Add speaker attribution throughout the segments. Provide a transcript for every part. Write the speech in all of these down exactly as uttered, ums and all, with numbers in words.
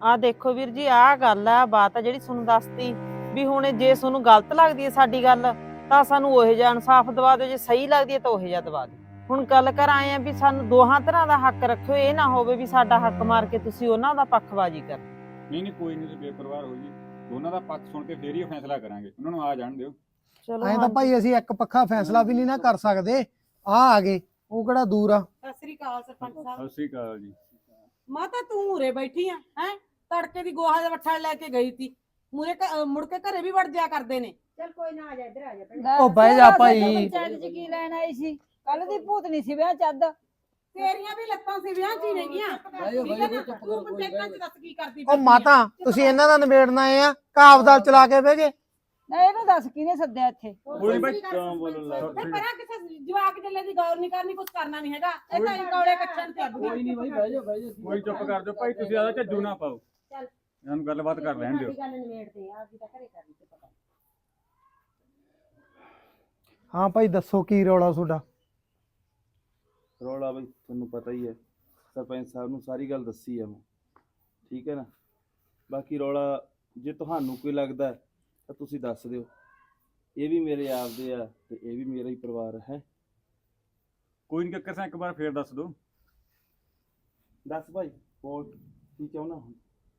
Speaker 1: ਆ ਦੇਖੋ ਵੀਰ ਜੀ, ਆਹ ਗੱਲ ਆ, ਬਾਤ ਆ ਜਿਹੜੀ ਤੁਹਾਨੂੰ ਦੱਸਤੀ ਵੀ ਹੁਣ ਜੇ ਤੁਹਾਨੂੰ ਗਲਤ ਲੱਗਦੀ ਹੈ ਸਾਡੀ ਗੱਲ ਤਾਂ ਸਾਨੂੰ ਉਹੋ ਜਿਹਾ ਇਨਸਾਫ ਦਵਾ ਦਿਓ, ਜੇ ਸਹੀ ਲੱਗਦੀ ਹੈ ਤਾਂ ਉਹੋ ਜਿਹਾ ਦਵਾ ਦਿਓ। ਹੁਣ ਗੱਲ ਕਰ ਆਏ ਆ ਵੀ ਸਾਨੂੰ ਦੋਹਾਂ ਤਰ੍ਹਾਂ ਦਾ ਹੱਕ ਰੱਖਿਓ, ਇਹ ਨਾ ਹੋਵੇ ਵੀ ਸਾਡਾ ਹੱਕ ਮਾਰ ਕੇ ਤੁਸੀਂ ਉਹਨਾਂ ਦਾ ਪੱਖਬਾਜ਼ੀ ਕਰ।
Speaker 2: ਨਹੀਂ ਨਹੀਂ ਕੋਈ ਨਹੀਂ, ਤੁਸੀਂ ਬੇਪਰਵਾਹ ਹੋ ਜੀ, ਦੋਨਾਂ ਦਾ ਪੱਖ ਸੁਣ ਕੇ ਫੇਰ ਹੀ ਫੈਸਲਾ ਕਰਾਂਗੇ, ਉਹਨਾਂ ਨੂੰ ਆ ਜਾਣ ਦਿਓ।
Speaker 1: ਚਲੋ
Speaker 3: ਐਂ ਤਾਂ ਭਾਈ ਅਸੀਂ ਇੱਕ ਪੱਖਾ ਫੈਸਲਾ ਵੀ ਨਹੀਂ ਨਾ ਕਰ ਸਕਦੇ। ਆ ਆ ਗਏ, ਉਹ ਕਿਹੜਾ ਦੂਰ ਆ।
Speaker 4: ਸਤਿ ਸ੍ਰੀ ਅਕਾਲ ਸਰਪੰਚ ਸਾਹਿਬ।
Speaker 2: ਸਤਿ ਸ਼੍ਰੀ ਅਕਾਲ ਜੀ।
Speaker 4: ਮਾਤਾ ਤੂੰ ਉਰੇ ਬੈਠੀ ਆ ਹੈ? ਤੜਕੇ ਦੀ ਗੋਹਾ ਦਾ ਵੱਠਾ ਲੈ ਕੇ ਗਈ ਸੀ, ਮੂਰੇ ਮੁੜ ਕੇ ਘਰੇ ਵੀ ਵੜ ਜਾ ਕਰਦੇ ਨੇ।
Speaker 5: ਚੱਲ ਕੋਈ ਨਾ, ਆ ਜਾ ਇੱਧਰ ਆ ਜਾ।
Speaker 3: ਉਹ ਬਹਿ ਜਾ ਭਾਈ।
Speaker 5: ਪੰਚਾਇਤ ਚ ਕੀ ਲੈਣ ਆਈ ਸੀ? ਕੱਲ ਦੀ ਭੂਤਨੀ ਸੀ ਵਿਆਹ ਚੱਦ।
Speaker 4: ਤੇਰੀਆਂ ਵੀ ਲੱਤਾਂ ਸੀ ਵਿਆਹ ਚ ਹੀ ਨੇਗੀਆਂ। ਤੂੰ ਪੰਚਾਇਤਾਂ ਚ ਦੱਸ ਕੀ ਕਰਦੀ
Speaker 3: ਉਹ ਮਾਤਾ ਤੁਸੀਂ ਇਹਨਾਂ ਦਾ ਨਿਬੇੜਨਾ ਆ, ਕਾਬਦਾਲ ਚਲਾ ਕੇ ਬਹਿ ਗਏ।
Speaker 5: ਨਾ ਇਹਨੂੰ ਦੱਸ ਕਿਹਨੇ ਸੱਦਿਆ ਇੱਥੇ?
Speaker 2: ਕੋਈ ਬਾਈ ਕੰਮ ਬੋਲਣ ਲੱਗ
Speaker 4: ਤੇ ਪਰਾਂ ਕਿਸੇ ਜਵਾਕ ਜੱਲੇ ਦੀ ਗੌਰ ਨਹੀਂ ਕਰਨੀ, ਕੁਝ ਕਰਨਾ ਨਹੀਂ ਹੈਗਾ। ਇਹ ਤਾਂ ਕੌਲੇ ਕੱਚਣ ਤੇ
Speaker 6: ਕੋਈ ਨਹੀਂ ਬਾਈ, ਬਹਿ ਜਾ ਬਹਿ ਜਾ।
Speaker 2: ਕੋਈ ਚੁੱਪ ਕਰ ਜਾਓ ਭਾਈ, ਤੁਸੀਂ ਆਦਾ ਝੱਜੂ ਨਾ ਪਾਓ,
Speaker 5: ਚੱਲ
Speaker 2: ਇਹਨਾਂ ਨੂੰ ਗੱਲਬਾਤ ਕਰ ਲੈਣ ਦਿਓ।
Speaker 5: ਗੱਲ ਨਿਬੇੜਦੇ ਆ, ਅਸੀਂ ਤਾਂ ਘਰੇ ਕਰਨੀ ਤੇ ਪਤਾ।
Speaker 3: ਹਾਂ ਭਾਈ ਦੱਸੋ ਕੀ ਰੌਲਾ ਤੁਹਾਡਾ?
Speaker 6: ਰੌਲਾ ਬਈ ਤੁਹਾਨੂੰ ਪਤਾ ਹੀ ਹੈ, ਸਰਪੰਚ ਸਾਹਿਬ ਨੂੰ ਸਾਰੀ ਗੱਲ ਦੱਸੀ ਆ ਮੈਂ, ਠੀਕ ਹੈ ਨਾ। ਬਾਕੀ ਰੌਲਾ ਜੇ ਤੁਹਾਨੂੰ ਕੋਈ ਲੱਗਦਾ ਹੈ ਤਾਂ ਤੁਸੀਂ ਦੱਸ ਦਿਓ। ਇਹ ਵੀ ਮੇਰੇ ਆਪਦੇ ਆ ਤੇ ਇਹ ਵੀ ਮੇਰਾ ਹੀ ਪਰਿਵਾਰ ਹੈ।
Speaker 2: ਕੋਈ ਨਹੀਂ ਕਿਸਾ ਇੱਕ ਵਾਰ ਫੇਰ ਦੱਸ ਦਿਓ।
Speaker 6: ਦੱਸ ਭਾਈ ਹੋਰ ਕੀ ਚਾਹੁੰਦਾ ਹੁਣ?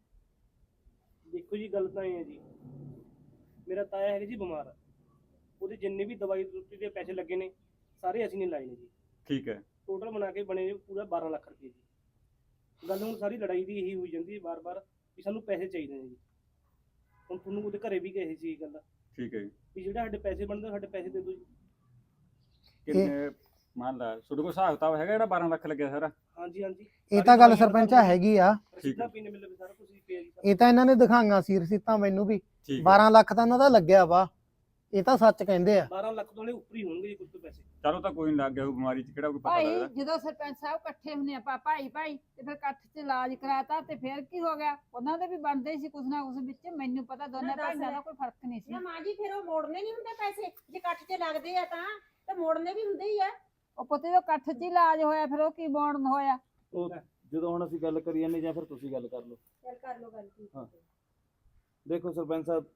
Speaker 7: ਦੇਖੋ ਜੀ, ਗੱਲ ਤਾਂ ਇਹ ਹੈ ਜੀ, ਮੇਰਾ ਤਾਇਆ ਹੈਗਾ ਜੀ ਬਿਮਾਰ ਆ, ਉਹਦੇ ਜਿੰਨੇ ਵੀ ਦਵਾਈ ਦੁੱਤੀ ਦੇ ਪੈਸੇ ਲੱਗੇ ਨੇ ਸਾਰੇ ਅਸੀਂ ਨੇ ਲਾਏ ਨੇ ਜੀ।
Speaker 2: ਠੀਕ ਹੈ।
Speaker 7: ਟੋਟਲ ਬਣਾ ਕੇ ਬਣੇ ਨੇ ਪੂਰਾ ਬਾਰਾਂ ਲੱਖ ਰੁਪਏ ਜੀ। ਗੱਲ ਹੁਣ ਸਾਰੀ ਲੜਾਈ ਦੀ ਇਹੀ ਹੋਈ ਜਾਂਦੀ ਹੈ ਬਾਰ-ਬਾਰ ਵੀ ਸਾਨੂੰ ਪੈਸੇ ਚਾਹੀਦੇ ਨੇ ਜੀ। ਹੁਣ ਤੁਹਾਨੂੰ ਉਹਦੇ ਘਰੇ ਵੀ ਕਹੇ ਸੀ ਇਹ ਗੱਲ
Speaker 2: ਠੀਕ ਹੈ ਜੀ।
Speaker 7: ਵੀ ਜਿਹੜਾ ਸਾਡੇ ਪੈਸੇ ਬਣਦੇ ਸਾਡੇ ਪੈਸੇ ਦੇ ਦਿਓ ਜੀ।
Speaker 2: ਕਿੰਨੇ ਮੰਨ ਲਾ ਤੁਹਾਡੇ ਕੋਲ ਹਿਸਾਬ ਕਿਤਾਬ ਹੈਗਾ ਜਿਹੜਾ ਬਾਰਾਂ ਲੱਖ ਲੱਗਿਆ ਸਾਰਾ?
Speaker 7: ਹਾਂਜੀ ਹਾਂਜੀ,
Speaker 3: ਇਹ ਤਾਂ ਗੱਲ ਸਰਪੰਚਾ ਹੈਗੀ ਆ।
Speaker 7: ਰਸੀਦਾਂ ਪੀਣੇ ਮਿਲੇ ਸਾਰਾ ਕੁਝ ਪਿਆ ਜੀ।
Speaker 3: ਇਹ ਤਾਂ ਇਹਨਾਂ ਨੇ ਦਿਖਾਈਆਂ ਸੀ ਰਸੀਤਾਂ ਮੈਨੂੰ ਵੀ।
Speaker 2: ਠੀਕ ਹੈ।
Speaker 3: ਬਾਰਾਂ ਲੱਖ ਤਾਂ ਇਹਨਾਂ ਦਾ ਲੱਗਿਆ ਵਾ, ਇਹ ਤਾਂ ਸੱਚ ਕਹਿੰਦੇ ਆ।
Speaker 7: ਬਾਰਾਂ ਲੱਖ ਤੋਂ ਨੇ ਉੱਪਰ ਹੀ ਹੋਣਗੇ ਜੀ ਕੁਝ ਤੋਂ ਪੈਸੇ।
Speaker 2: ਚਲੋ ਤਾਂ ਕੋਈ ਨਹੀਂ, ਲੱਗ ਗਿਆ ਉਹ ਬਿਮਾਰੀ ਚ ਕਿਹੜਾ ਕੋਈ ਪਤਾ
Speaker 5: ਭਾਈ
Speaker 2: ਲੱਗਦਾ।
Speaker 5: ਜਦੋਂ ਸਰਪੰਚ ਸਾਹਿਬ ਇਕੱਠੇ ਹੁੰਦੇ ਆਪਾਂ ਭਾਈ ਭਾਈ ਤੇ ਫਿਰ ਇਕੱਠ ਚ ਇਲਾਜ ਕਰਾਤਾ ਤੇ ਫਿਰ ਕੀ ਹੋ ਗਿਆ? ਉਹਨਾਂ ਦੇ ਵੀ ਬਣਦੇ ਸੀ ਕੁਛ ਨਾ ਕੁਛ ਵਿੱਚ। ਮੈਨੂੰ ਪਤਾ ਦੋਨੇ ਭਾਈਆਂ ਦਾ ਕੋਈ ਫਰਕ ਨਹੀਂ ਸੀ।
Speaker 8: ਨਾ ਮਾਂ ਜੀ, ਫਿਰ ਉਹ ਮੋੜਨੇ ਨਹੀਂ ਹੁੰਦੇ ਪੈਸੇ? ਜੇ ਕੱਟ ਚ ਲੱਗਦੇ ਆ ਤਾਂ ਤੇ ਮੋੜਨੇ ਵੀ ਹੁੰਦੇ ਹੀ ਆ।
Speaker 5: ਉਹ ਪੁੱਤੇ ਜੋ ਇਕੱਠ ਚ ਇਲਾਜ ਹੋਇਆ ਫਿਰ ਉਹ ਕੀ ਬੋਰਨ ਹੋਇਆ?
Speaker 6: ਉਹ ਜਦੋਂ ਹੁਣ ਅਸੀਂ ਗੱਲ ਕਰੀ ਜਾਂਦੇ ਜਾਂ ਫਿਰ ਤੁਸੀਂ ਗੱਲ ਕਰ ਲਓ।
Speaker 8: ਚੱਲ ਕਰ ਲੋ ਗੱਲ ਕੀ।
Speaker 6: ਹਾਂ ਦੇਖੋ ਸਰਪੰਚ ਸਾਹਿਬ,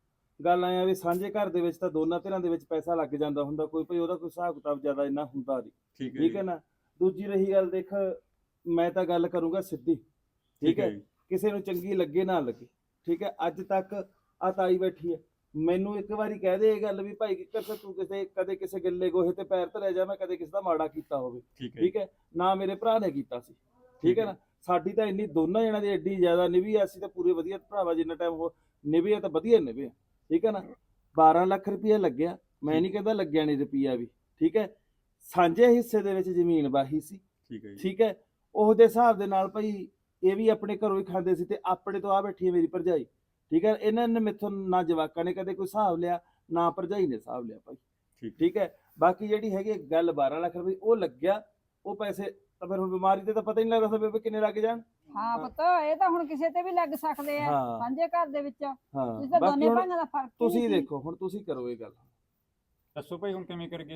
Speaker 6: ਗੱਲ ਆਇਆ ਵੀ ਸਾਂਝੇ ਘਰ ਦੇ ਵਿੱਚ ਤਾਂ ਦੋਨਾਂ ਧਿਰਾਂ ਦੇ ਵਿੱਚ ਪੈਸਾ ਲੱਗ ਜਾਂਦਾ ਹੁੰਦਾ, ਕੋਈ ਭਾਈ ਉਹਦਾ ਕੋਈ ਹਿਸਾਬ ਕਿਤਾਬ ਜ਼ਿਆਦਾ ਇੰਨਾ ਹੁੰਦਾ ਨਹੀਂ।
Speaker 2: ਠੀਕ ਹੈ
Speaker 6: ਠੀਕ ਹੈ ਨਾ। ਦੂਜੀ ਰਹੀ ਗੱਲ, ਦੇਖ ਮੈਂ ਤਾਂ ਗੱਲ ਕਰੂੰਗਾ ਸਿੱਧੀ, ਠੀਕ ਹੈ, ਕਿਸੇ ਨੂੰ ਚੰਗੀ ਲੱਗੇ ਨਾ ਲੱਗੇ, ਠੀਕ ਹੈ। ਅੱਜ ਤੱਕ ਆ ਤਾਈ ਬੈਠੀ ਹੈ, ਮੈਨੂੰ ਇੱਕ ਵਾਰੀ ਕਹਿ ਦੇ ਇਹ ਗੱਲ ਵੀ ਭਾਈ ਕਿੱਕਰ ਤੂੰ ਕਿਸੇ ਕਦੇ ਕਿਸੇ ਗਿੱਲੇ ਗੋਹੇ ਤੇ ਪੈਰ ਧਰਿਆ ਜਾ, ਮੈਂ ਕਦੇ ਕਿਸੇ ਦਾ ਮਾੜਾ ਕੀਤਾ ਹੋਵੇ, ਠੀਕ ਹੈ ਨਾ, ਮੇਰੇ ਭਰਾ ਨੇ ਕੀਤਾ ਸੀ, ਠੀਕ ਹੈ ਨਾ। ਸਾਡੀ ਤਾਂ ਇੰਨੀ ਦੋਨਾਂ ਜਣਾਂ ਦੀ ਐਡੀ ਜ਼ਿਆਦਾ ਨਿਭੀ ਆ, ਅਸੀਂ ਤਾਂ ਪੂਰੇ ਵਧੀਆ ਭਰਾਵਾ, ਜਿੰਨਾ ਟਾਈਮ ਹੋ ਨਿਭੇ ਤਾਂ ਵਧੀਆ ਨਿਭੇ, ਠੀਕ ਹੈ ਨਾ। ਬਾਰਾਂ ਲੱਖ ਰੁਪਇਆ ਲੱਗਿਆ, ਮੈਂ ਨਹੀਂ ਕਹਿੰਦਾ ਲੱਗਿਆ ਨਹੀਂ ਰੁਪਈਆ ਵੀ, ਠੀਕ ਹੈ। ਸਾਂਝੇ ਹਿੱਸੇ ਦੇ ਵਿੱਚ ਜ਼ਮੀਨ ਵਾਹੀ ਸੀ,
Speaker 2: ਠੀਕ ਹੈ
Speaker 6: ਠੀਕ ਹੈ। ਉਹਦੇ ਹਿਸਾਬ ਦੇ ਨਾਲ ਭਾਈ ਇਹ ਵੀ ਆਪਣੇ ਘਰੋਂ ਹੀ ਖਾਂਦੇ ਸੀ ਤੇ ਆਪਣੇ ਤੋਂ ਆ ਬੈਠੀ ਹੈ ਮੇਰੀ ਭਰਜਾਈ, ਠੀਕ ਹੈ। ਇਹਨਾਂ ਨੇ ਮੈਥੋਂ ਨਾ ਜਵਾਕਾਂ ਨੇ ਕਦੇ ਕੋਈ ਹਿਸਾਬ ਲਿਆ, ਨਾ ਭਰਜਾਈ ਨੇ ਹਿਸਾਬ ਲਿਆ ਭਾਈ, ਠੀਕ ਹੈ। ਬਾਕੀ ਜਿਹੜੀ ਹੈਗੀ ਗੱਲ ਬਾਰਾਂ ਲੱਖ ਰੁਪਏ ਉਹ ਲੱਗਿਆ, ਉਹ ਪੈਸੇ ਤਾਂ ਫਿਰ ਹੁਣ ਬਿਮਾਰੀ ਤੇ ਤਾਂ ਪਤਾ ਹੀ ਨਹੀਂ ਲੱਗਦਾ ਸੀ ਕਿੰਨੇ ਲੱਗ ਜਾਣ।
Speaker 5: ਹਾਂ ਪੁੱਤ, ਇਹ ਤਾਂ ਹੁਣ ਕਿਸੇ ਤੇ ਵੀ ਲੱਗ ਸਕਦੇ ਆ ਸਾਂਝੇ ਘਰ ਦੇ ਵਿੱਚ। ਤੁਸੀਂ ਤਾਂ ਦੋਨੇ ਭਾਈਆਂ ਦਾ ਫਰਕ
Speaker 6: ਤੁਸੀਂ ਦੇਖੋ, ਹੁਣ ਤੁਸੀਂ ਕਰੋ ਇਹ ਗੱਲ।
Speaker 2: ਦੱਸੋ ਭਾਈ ਹੁਣ ਕਿਵੇਂ ਕਰਗੇ?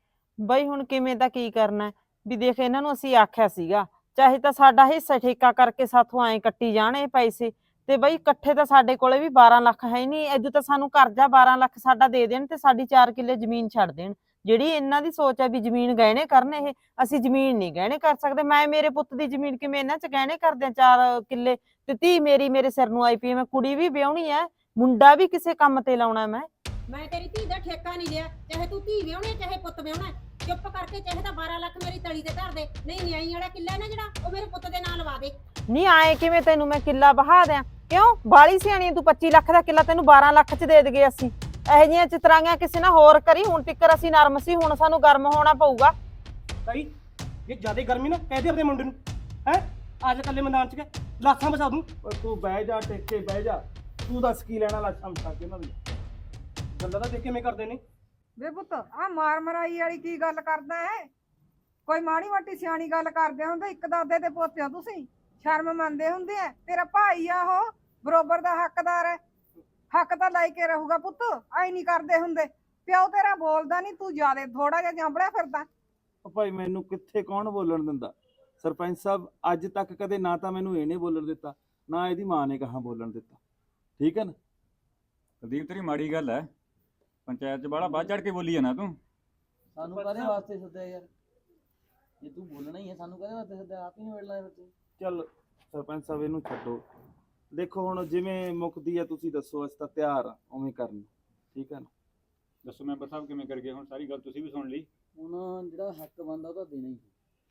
Speaker 1: ਬਈ ਹੁਣ ਕਿਵੇਂ ਤਾਂ ਕੀ ਕਰਨਾ ਵੀ, ਦੇਖ ਇਹਨਾਂ ਨੂੰ ਅਸੀਂ ਆਖਿਆ ਸੀਗਾ ਚਾਹੇ ਤਾਂ ਸਾਡਾ ਹਿੱਸਾ ਠੇਕਾ ਕਰਕੇ ਸਾਥੋਂ ਐਂ ਕੱਟੀ ਜਾਣ ਇਹ ਪੈਸੇ, ਤੇ ਬਈ ਇਕੱਠੇ ਤਾਂ ਸਾਡੇ ਕੋਲੇ ਵੀ ਬਾਰਾਂ ਲੱਖ ਹੈ ਨਹੀਂ। ਇਦੋਂ ਤਾਂ ਸਾਨੂੰ ਕਰਜ਼ਾ ਬਾਰਾਂ ਲੱਖ ਸਾਡਾ ਦੇ ਦੇਣ ਤੇ ਸਾਡੀ ਚਾਰ ਕਿੱਲੇ ਜ਼ਮੀਨ ਛੱਡ ਦੇਣ। ਜਿਹੜੀ ਇਹਨਾਂ ਦੀ ਸੋਚ ਹੈ ਵੀ ਜ਼ਮੀਨ ਗਹਿਣੇ ਕਰਨ, ਇਹ ਅਸੀਂ ਜ਼ਮੀਨ ਨਹੀਂ ਗਹਿਣੇ ਕਰ ਸਕਦੇ। ਮੈਂ ਮੇਰੇ ਪੁੱਤ ਦੀ ਜ਼ਮੀਨ ਕਿਵੇਂ ਇਹਨਾਂ ਚ ਗਹਿਣੇ ਕਰਦੇ ਆ ਚਾਰ ਕਿੱਲੇ, ਤੇ ਧੀ ਮੇਰੀ ਮੇਰੇ ਸਿਰ ਨੂੰ ਆਈ ਪਈ, ਮੈਂ ਕੁੜੀ ਵੀ ਵਿਆਹਣੀ ਹੈ, ਮੁੰਡਾ ਵੀ ਕਿਸੇ ਕੰਮ ਤੇ ਲਾਉਣਾ। ਮੈਂ
Speaker 8: ਮੈਂ ਤੇਰੀ ਧੀ ਦਾ ਠੇਕਾ ਨਹੀਂ ਲਿਆ, ਚਾਹੇ ਤੂੰ ਧੀ ਵਿਆਹਣੀ ਚਾਹੇ ਪੁੱਤ ਵਿਆਹਣਾ, ਚੁੱਪ ਕਰਕੇ ਚਾਹੇ ਤਾਂ ਬਾਰਾਂ ਲੱਖ ਮੇਰੀ ਤਲੀ ਤੇ ਧਰ ਦੇ, ਨਹੀਂ ਨਿਆਈ ਵਾਲਾ ਕਿੱਲਾ ਨਾ ਜਿਹੜਾ ਉਹ ਮੇਰੇ ਪੁੱਤ ਦੇ ਨਾਂ ਲਵਾ ਦੇ।
Speaker 1: ਨਹੀਂ ਆਏ ਕਿਵੇਂ ਤੈਨੂੰ ਮੈਂ ਕਿੱਲਾ ਬਹਾ ਦਿਆਂ? ਕਿਉਂ ਬਾਲੀ ਸਿਆਣੀ ਤੂੰ? ਪੱਚੀ ਲੱਖ ਦਾ ਕਿੱਲਾ ਤੈਨੂੰ ਬਾਰਾਂ ਲੱਖ ਚ ਦੇ ਦਗੇ ਅਸੀਂ। ਇਹੋ ਜਿਹੀਆਂ ਚਤਰਾਈਆਂ ਕਿਸੇ ਨਾਲ ਹੋਰ ਕਰੀ, ਹੁਣ ਤਿੱਕਰ ਅਸੀਂ ਨਰਮ ਸੀ, ਹੁਣ ਸਾਨੂੰ ਗਰਮ ਹੋਣਾ ਪਊਗਾ।
Speaker 7: ਤਾਈ ਇਹ ਜ਼ਿਆਦਾ ਗਰਮੀ ਨਾ ਕਹਿ ਦੇ ਆਪਣੇ ਮੁੰਡੇ ਨੂੰ, ਹੈ ਅੱਜ ਕੱਲੇ ਮੈਦਾਨ ਚ ਕੇ ਲਾਸਾਂ ਬਚਾ ਦੂੰ।
Speaker 6: ਓਏ ਤੂੰ ਬਹਿ ਜਾ, ਟੇਕੇ ਬਹਿ ਜਾ, ਤੂੰ ਦੱਸ ਕੀ ਲੈਣਾ ਲਾਸ਼ਾਂ ਮਚਾ ਕੇ ਉਹਨਾਂ ਦੀ
Speaker 7: ਗੱਲਾਂ ਤਾਂ ਦੇਖ ਕਿਵੇਂ ਕਰਦੇ ਨੇ।
Speaker 4: ਵੇ ਪੁੱਤ, ਆ ਮਾਰ ਮਰਾਈ ਵਾਲੀ ਕੀ ਗੱਲ ਕਰਦਾ ਹੈ? ਕੋਈ ਮਾੜੀ ਮੋਟੀ ਸਿਆਣੀ ਗੱਲ ਕਰਦੇ ਹੁੰਦੇ, ਇੱਕ ਦਾਦੇ ਦੇ ਪੋਤੇ ਹੋ ਤੁਸੀਂ, ਸ਼ਰਮ ਮੰਨਦੇ ਹੁੰਦੇ ਆ। ਤੇਰਾ ਭਾਈ ਆ, ਉਹ ਬਰੋਬਰ ਦਾ ਹੱਕਦਾਰ ਹੈ, ਹੱਕ ਤਾਂ ਲੈ ਕੇ ਰਹੂਗਾ ਪੁੱਤ। ਐ ਨਹੀਂ ਕਰਦੇ ਹੁੰਦੇ, ਪਿਓ ਤੇਰਾ ਬੋਲਦਾ ਨਹੀਂ, ਤੂੰ ਜਿਆਦਾ ਥੋੜਾ ਜਿਹਾ ਜਾਂਬੜਿਆ ਫਿਰਦਾ।
Speaker 6: ਉਹ ਭਾਈ ਮੈਨੂੰ ਕਿੱਥੇ ਕੌਣ ਬੋਲਣ ਦਿੰਦਾ? ਸਰਪੰਚ ਸਾਹਿਬ ਅੱਜ ਤੱਕ ਕਦੇ ਨਾ ਤਾਂ ਮੈਨੂੰ ਇਹਨੇ ਬੋਲਣ ਦਿੱਤਾ, ਨਾ ਇਹਦੀ ਮਾਂ ਨੇ ਕਹਾਂ ਬੋਲਣ ਦਿੱਤਾ, ਠੀਕ ਹੈ ਨਾ।
Speaker 2: ਕੁਲਦੀਪ ਤੇਰੀ ਮਾੜੀ ਗੱਲ ਹੈ, ਪੰਚਾਇਤ 'ਚ ਬਾਹਲਾ ਵੱਧ ਚੜ ਕੇ ਬੋਲੀ ਜਾਣਾ ਤੂੰ।
Speaker 9: ਸਾਨੂੰ ਕਾਹਦੇ ਵਾਸਤੇ ਸੱਦਿਆ ਯਾਰ? ਜੇ ਤੂੰ ਬੋਲਣਾ ਹੀ ਹੈ ਸਾਨੂੰ ਕਾਹਦੇ ਵਾਸਤੇ ਸੱਦਿਆ? ਆਪ ਹੀ ਨਿਬੇੜ ਲੈ ਬੱਚੇ।
Speaker 6: ਚੱਲ ਸਰਪੰਚ ਸਾਹਿਬ ਇਹਨੂੰ ਛੱਡੋ, ਦੇਖੋ ਹੁਣ ਜਿਵੇਂ ਮੁੱਕਦੀ ਆ ਤੁਸੀਂ ਦੱਸੋ, ਅਸੀਂ ਤਾਂ ਤਿਆਰ ਆ ਉਵੇਂ ਕਰਨ ਨੂੰ, ਠੀਕ ਹੈ ਨਾ।
Speaker 2: ਦੱਸੋ ਮੈਂਬਰ ਸਾਹਿਬ ਕਿਵੇਂ ਕਰ ਗਏ? ਹੁਣ ਸਾਰੀ ਗੱਲ ਤੁਸੀਂ ਵੀ ਸੁਣ ਲਈ।
Speaker 9: ਹੁਣ ਜਿਹੜਾ ਹੱਕ ਬਣਦਾ ਉਹ ਤਾਂ ਦੇਣਾ ਹੀ।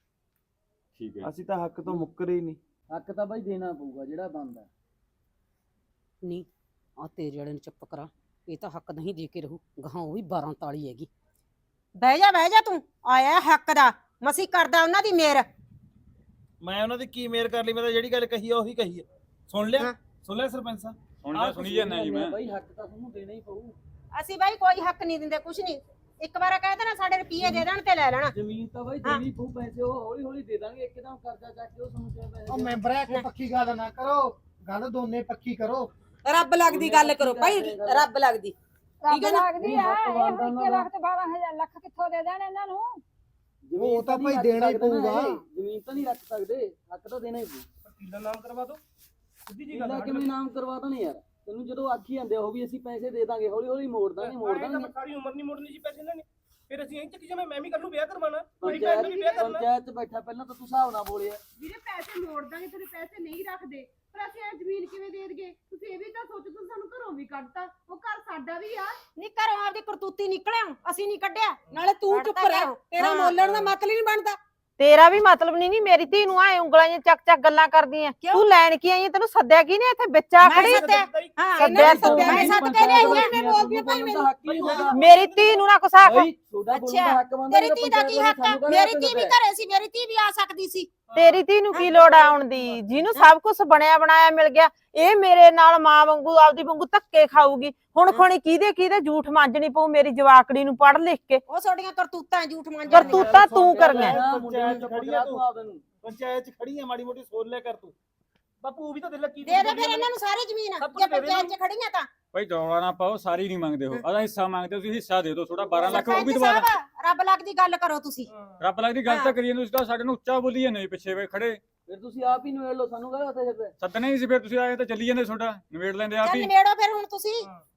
Speaker 2: ਠੀਕ ਹੈ,
Speaker 6: ਅਸੀਂ ਤਾਂ ਹੱਕ ਤੋਂ ਮੁੱਕਰੇ ਹੀ ਨਹੀਂ।
Speaker 9: ਹੱਕ ਤਾਂ ਬਾਈ ਦੇਣਾ ਪਊਗਾ ਜਿਹੜਾ ਬਣਦਾ।
Speaker 8: ਨਹੀਂ ਆ ਤੇਰੇ ਵਾਲੇ ਨੂੰ ਚੁੱਪ ਕਰਾ, ਇਹ ਤਾਂ ਹੱਕ ਨਹੀਂ ਦੇ ਕੇ ਰਹੂ, ਗਾਹਾਂ ਉਹ ਵੀ ਬਾਰਾਂ ਤਾਲੀ ਹੈਗੀ। ਬਹਿ ਜਾ ਬਹਿ ਜਾ, ਤੂੰ ਆਇਆ ਹੱਕ ਦਾ, ਮਸੀ ਕਰਦਾ ਉਹਨਾਂ ਦੀ ਮੇਰ।
Speaker 6: ਮੈਂ ਉਹਨਾਂ ਦੀ ਕੀ ਮੇਰ ਕਰ ਲਈ? ਮੈਂ ਤਾਂ ਜਿਹੜੀ ਗੱਲ ਕਹੀ ਆ ਉਹੀ ਕਹੀ ਆ। ਸੁਣ ਲਿਆ ਸੁਣ ਲਿਆ ਸਰਪੰਚ ਸਾਹਿਬ?
Speaker 2: ਹੁਣ ਮੈਂ ਸੁਣੀ ਜਾਂਦਾ ਜੀ ਮੈਂ।
Speaker 9: ਬਾਈ ਹੱਕ ਤਾਂ ਤੁਹਾਨੂੰ ਦੇਣਾ ਹੀ ਪਊ।
Speaker 8: ਅਸੀਂ ਬਾਈ ਕੋਈ ਹੱਕ ਨਹੀਂ ਦਿੰਦੇ, ਕੁਛ ਨਹੀਂ। ਇੱਕ ਵਾਰ ਕਹਿ ਦੇਣਾ ਸਾਡੇ ਰੁਪਈਏ ਦੇ ਦੇਣ ਤੇ ਲੈ ਲੈਣਾ।
Speaker 9: ਜ਼ਮੀਨ ਤਾਂ ਬਾਈ ਦੇਣੀ ਪਊ, ਪੈਸੇ ਉਹ ਹੌਲੀ ਹੌਲੀ ਦੇ ਦਾਂਗੇ, ਇੱਕਦਮ ਕਰਜ਼ਾ ਚੱਕ ਕੇ ਉਹ ਸਾਨੂੰ ਕਿਹਾ ਪੈਸੇ
Speaker 3: ਉਹ
Speaker 9: ਦੇ।
Speaker 3: ਮੈਂਬਰ ਆ ਕੇ ਪੱਕੀ ਗੱਲ ਨਾ ਕਰੋ, ਗੱਲ ਦੋਨੇ ਪੱਕੀ ਕਰੋ।
Speaker 8: ਰੱਬ ਲੱਗਦੀ ਗੱਲ ਕਰੋ ਭਾਈ, ਰੱਬ ਲੱਗਦੀ।
Speaker 5: ਠੀਕ
Speaker 8: ਹੈ ਨਾ?
Speaker 5: ਲੱਗਦੀ ਹੈ ਇਹ ਇੱਕੀ ਲੱਖ ਤੇ ਬਾਰਾਂ ਹਜ਼ਾਰ ਲੱਖ ਕਿੱਥੋਂ ਦੇ ਦੇਣ ਇਹਨਾਂ ਨੂੰ?
Speaker 9: ਜ਼ਮੀਨ
Speaker 3: ਉਹ ਤਾਂ
Speaker 9: ਨਹੀਂ
Speaker 3: ਭਾਈ
Speaker 9: ਰੱਖ
Speaker 3: ਦੇਣਾ ਹੀ
Speaker 9: ਸਕਦੇ ਨਾ
Speaker 3: ਪਊਗਾ।
Speaker 9: ਇਹ, ਜ਼ਮੀਨ ਤਾਂ ਨਹੀਂ ਰੱਖ ਸਕਦੇ, ਹੱਕ ਤਾਂ ਦੇਣਾ ਹੀ ਪਊ।
Speaker 7: ਵਕੀਲਾਂ ਨਾਮ ਕਰਵਾ ਦੋ, ਸਿੱਧੀ ਜੀ ਗੱਲ
Speaker 9: ਕਿੱਲਾ
Speaker 7: ਆ।
Speaker 9: ਕਿਵੇਂ ਨਾਮ ਕਰਵਾ ਦੇਣੇ ਯਾਰ? ਤੈਨੂੰ ਜਦੋਂ ਆਖੀ ਜਾਂਦੇ ਉਹ ਵੀ ਅਸੀਂ ਪੈਸੇ ਦੇ ਦਾਂਗੇ, ਹੌਲੀ ਹੌਲੀ ਮੋੜ ਦਾਂਗੇ ਮੋੜ
Speaker 7: ਐਂ ਤਾਂ
Speaker 9: ਦਾਂਗੇ।
Speaker 7: ਸਾਰੀ ਉਮਰ ਨਹੀਂ ਮੋੜਨੀ ਜੀ ਪੈਸੇ ਇਹਨਾਂ ਨੇ, ਫਿਰ ਅਸੀਂ ਐਂ ਚੱਕੀ ਜਾਵੇਂ। ਮੈਂ ਵੀ ਕੱਲ ਨੂੰ ਵਿਆਹ ਕਰਵਾਉਣਾ, ਮੇਰੀ ਭੈਣ ਨੇ ਵੀ ਵਿਆਹ ਕਰਨਾ।
Speaker 9: ਪੰਚਾਇਤ 'ਚ ਬੈਠਾ ਪਹਿਲਾਂ ਤਾਂ ਤੂੰ ਹਿਸਾਬ ਨਾਲ ਬੋਲਿਆ।
Speaker 10: ਵੀਰੇ ਪੈਸੇ ਮੋੜ ਦਾਂਗੇ, ਤੇਰੇ ਪੈਸੇ ਨਹੀਂ ਰੱਖਦੇ, ਪਰ ਅਸੀਂ ਇਹ ਜ਼ਮੀਨ ਕਿਵੇਂ ਦੇ ਦਈਏ? ਤੁਸੀਂ ਇਹ ਵੀ ਤਾਂ ਸੋਚੋ, ਤੁਸੀਂ ਸਾਨੂੰ ਘਰੋਂ ਵੀ ਕੱਢਤਾ, ਉਹ ਘਰ ਸਾਡਾ ਵੀ ਆ।
Speaker 8: ਨੀ ਘਰੋਂ ਆਪਦੀ ਕਰਤੂਤੀ ਨਿਕਲਿਆ, ਅਸੀਂ ਨਹੀਂ ਕੱਢਿਆ। ਨਾਲੇ ਤੂੰ ਚੁੱਪ ਰਹਿ, ਤੇਰਾ ਮੋਲਣ ਦਾ ਮਤਲਬ ਹੀ ਨਹੀਂ ਬਣਦਾ।
Speaker 1: ਤੇਰਾ ਵੀ ਮਤਲਬ ਨਹੀਂ ਨੀ ਮੇਰੀ ਧੀ ਨੂੰ ਆਏ ਉਂਗਲਾਂ ਜਿਹੀਆਂ ਚੱਕ ਚੱਕ ਗੱਲਾਂ ਕਰਦੀ ਐ। ਤੂੰ ਲੈਣ ਕੀ ਆਈ ਐ? ਤੈਨੂੰ ਸੱਦਿਆ ਕੀ ਨੇ ਇੱਥੇ ਵਿੱਚ ਆ ਖੜੀ?
Speaker 8: ਹਾਂ
Speaker 1: ਸੱਦਿਆ ਤੂੰ।
Speaker 8: ਮੈਂ ਸੱਦ ਕੇ ਲਿਆਈ ਆ, ਮੈਂ ਬੋਲਦੀ ਆ ਭਾਈ ਮੈਨੂੰ।
Speaker 9: ਹੱਕ ਹੀ ਨਹੀਂ ਹੋਗਾ
Speaker 1: ਮੇਰੀ ਧੀ ਨੂੰ ਨਾ ਕੁਛ ਆਖ।
Speaker 9: ਬਾਈ, ਤੁਹਾਡਾ ਬੋਲਣ ਦਾ ਹੱਕ ਬਣਦਾ।
Speaker 8: ਤੇਰੀ ਧੀ ਦਾ ਕੀ ਹੱਕ ਆ? ਮੇਰੀ ਧੀ ਵੀ ਘਰੇ ਸੀ, ਮੇਰੀ ਧੀ ਵੀ ਆ ਸਕਦੀ ਸੀ।
Speaker 1: ਤੇਰੀ ਧੀ ਨੂੰ ਕੀ ਲੋੜ ਆਉਣ ਦੀ, ਜਿਹਨੂੰ ਸਭ ਕੁਝ ਬਣਿਆ ਬਣਾਇਆ ਮਿਲ ਗਿਆ? ਇਹ ਮੇਰੇ ਨਾਲ ਮਾਂ ਵਾਂਗੂ ਆਪਦੀ ਵਾਂਗੂ ਧੱਕੇ ਖਾਊਗੀ। ਹੁਣ ਖੋਣੀ ਕਿਹਦੇ ਕਿਹਦੇ ਝੂਠ ਮਾਂਜਣੀ ਪਊ ਮੇਰੀ ਜਵਾਕੜੀ ਨੂੰ ਪੜ੍ਹ ਲਿਖ ਕੇ।
Speaker 8: ਉਹ ਤੁਹਾਡੀਆਂ ਕਰਤੂਤਾਂ ਝੂਠ ਮਾਂਜਣ
Speaker 1: ਕਰਤੂਤਾਂ ਤੂੰ ਕਰੀਆਂ।
Speaker 6: ਪੰਚਾਇਤ 'ਚ ਖੜੀ ਆ ਤੂੰ, ਪੰਚਾਇਤ 'ਚ ਖੜੀ ਆ, ਮਾੜੀ ਮੋਟੀ ਸੋਚ ਲਿਆ ਕਰ ਤੂੰ।
Speaker 7: ਬਾਪੂ ਉਹ ਵੀ ਤਾਂ ਦਿਲ ਕੀ
Speaker 8: ਦੇ ਦੇ ਫਿਰ ਇਹਨਾਂ ਨੂੰ ਸਾਰੀ ਜ਼ਮੀਨ, ਜੇ ਪੰਚਾਇਤ 'ਚ ਖੜੀਆਂ ਤਾਂ।
Speaker 2: ਭਾਈ ਦੌੜਾ ਨਾ ਪਾਓ, ਸਾਰੀ ਨਹੀਂ ਮੰਗਦੇ ਹੋ, ਆਦਾ ਹਿੱਸਾ ਮੰਗਦੇ ਹੋ ਤੁਸੀਂ। ਹਿੱਸਾ ਦੇ ਦਿਓ ਥੋੜਾ, ਬਾਰਾਂ ਲੱਖ ਉਹ ਵੀ
Speaker 8: ਸਰਪੰਚ
Speaker 2: ਦਵਾ ਦਾਂ।
Speaker 8: ਸਾਹਿਬ, ਰੱਬ ਲੱਗਦੀ ਗੱਲ ਕਰੋ ਤੁਸੀਂ।
Speaker 2: ਰੱਬ ਲੱਗਦੀ ਗੱਲ ਤਾਂ ਕਰੀਏ, ਤੁਸੀਂ ਤਾਂ ਸਾਡੇ ਨੂੰ ਉੱਚਾ ਬੋਲੀ ਜਾਂਦੇ ਪਿੱਛੇ ਵੇ ਖੜੇ।
Speaker 9: ਫਿਰ ਤੁਸੀਂ ਆਪ ਹੀ ਨਿਬੇੜ ਲਓ, ਸਾਨੂੰ ਕਾਹਦੇ ਵਾਸਤੇ ਛੱਡਿਆ?
Speaker 2: ਸੱਦਣਾ ਹੀ ਸੀ, ਫਿਰ ਤੁਸੀਂ ਆਏ ਤਾਂ ਚੱਲੀ ਜਾਂਦੇ ਤੁਹਾਡਾ, ਨਿਬੇੜ ਲੈਂਦੇ ਆਪ
Speaker 8: ਚੱਲ
Speaker 2: ਹੀ।
Speaker 8: ਨਿਬੇੜੋ ਫਿਰ ਹੁਣ ਤੁਸੀਂ।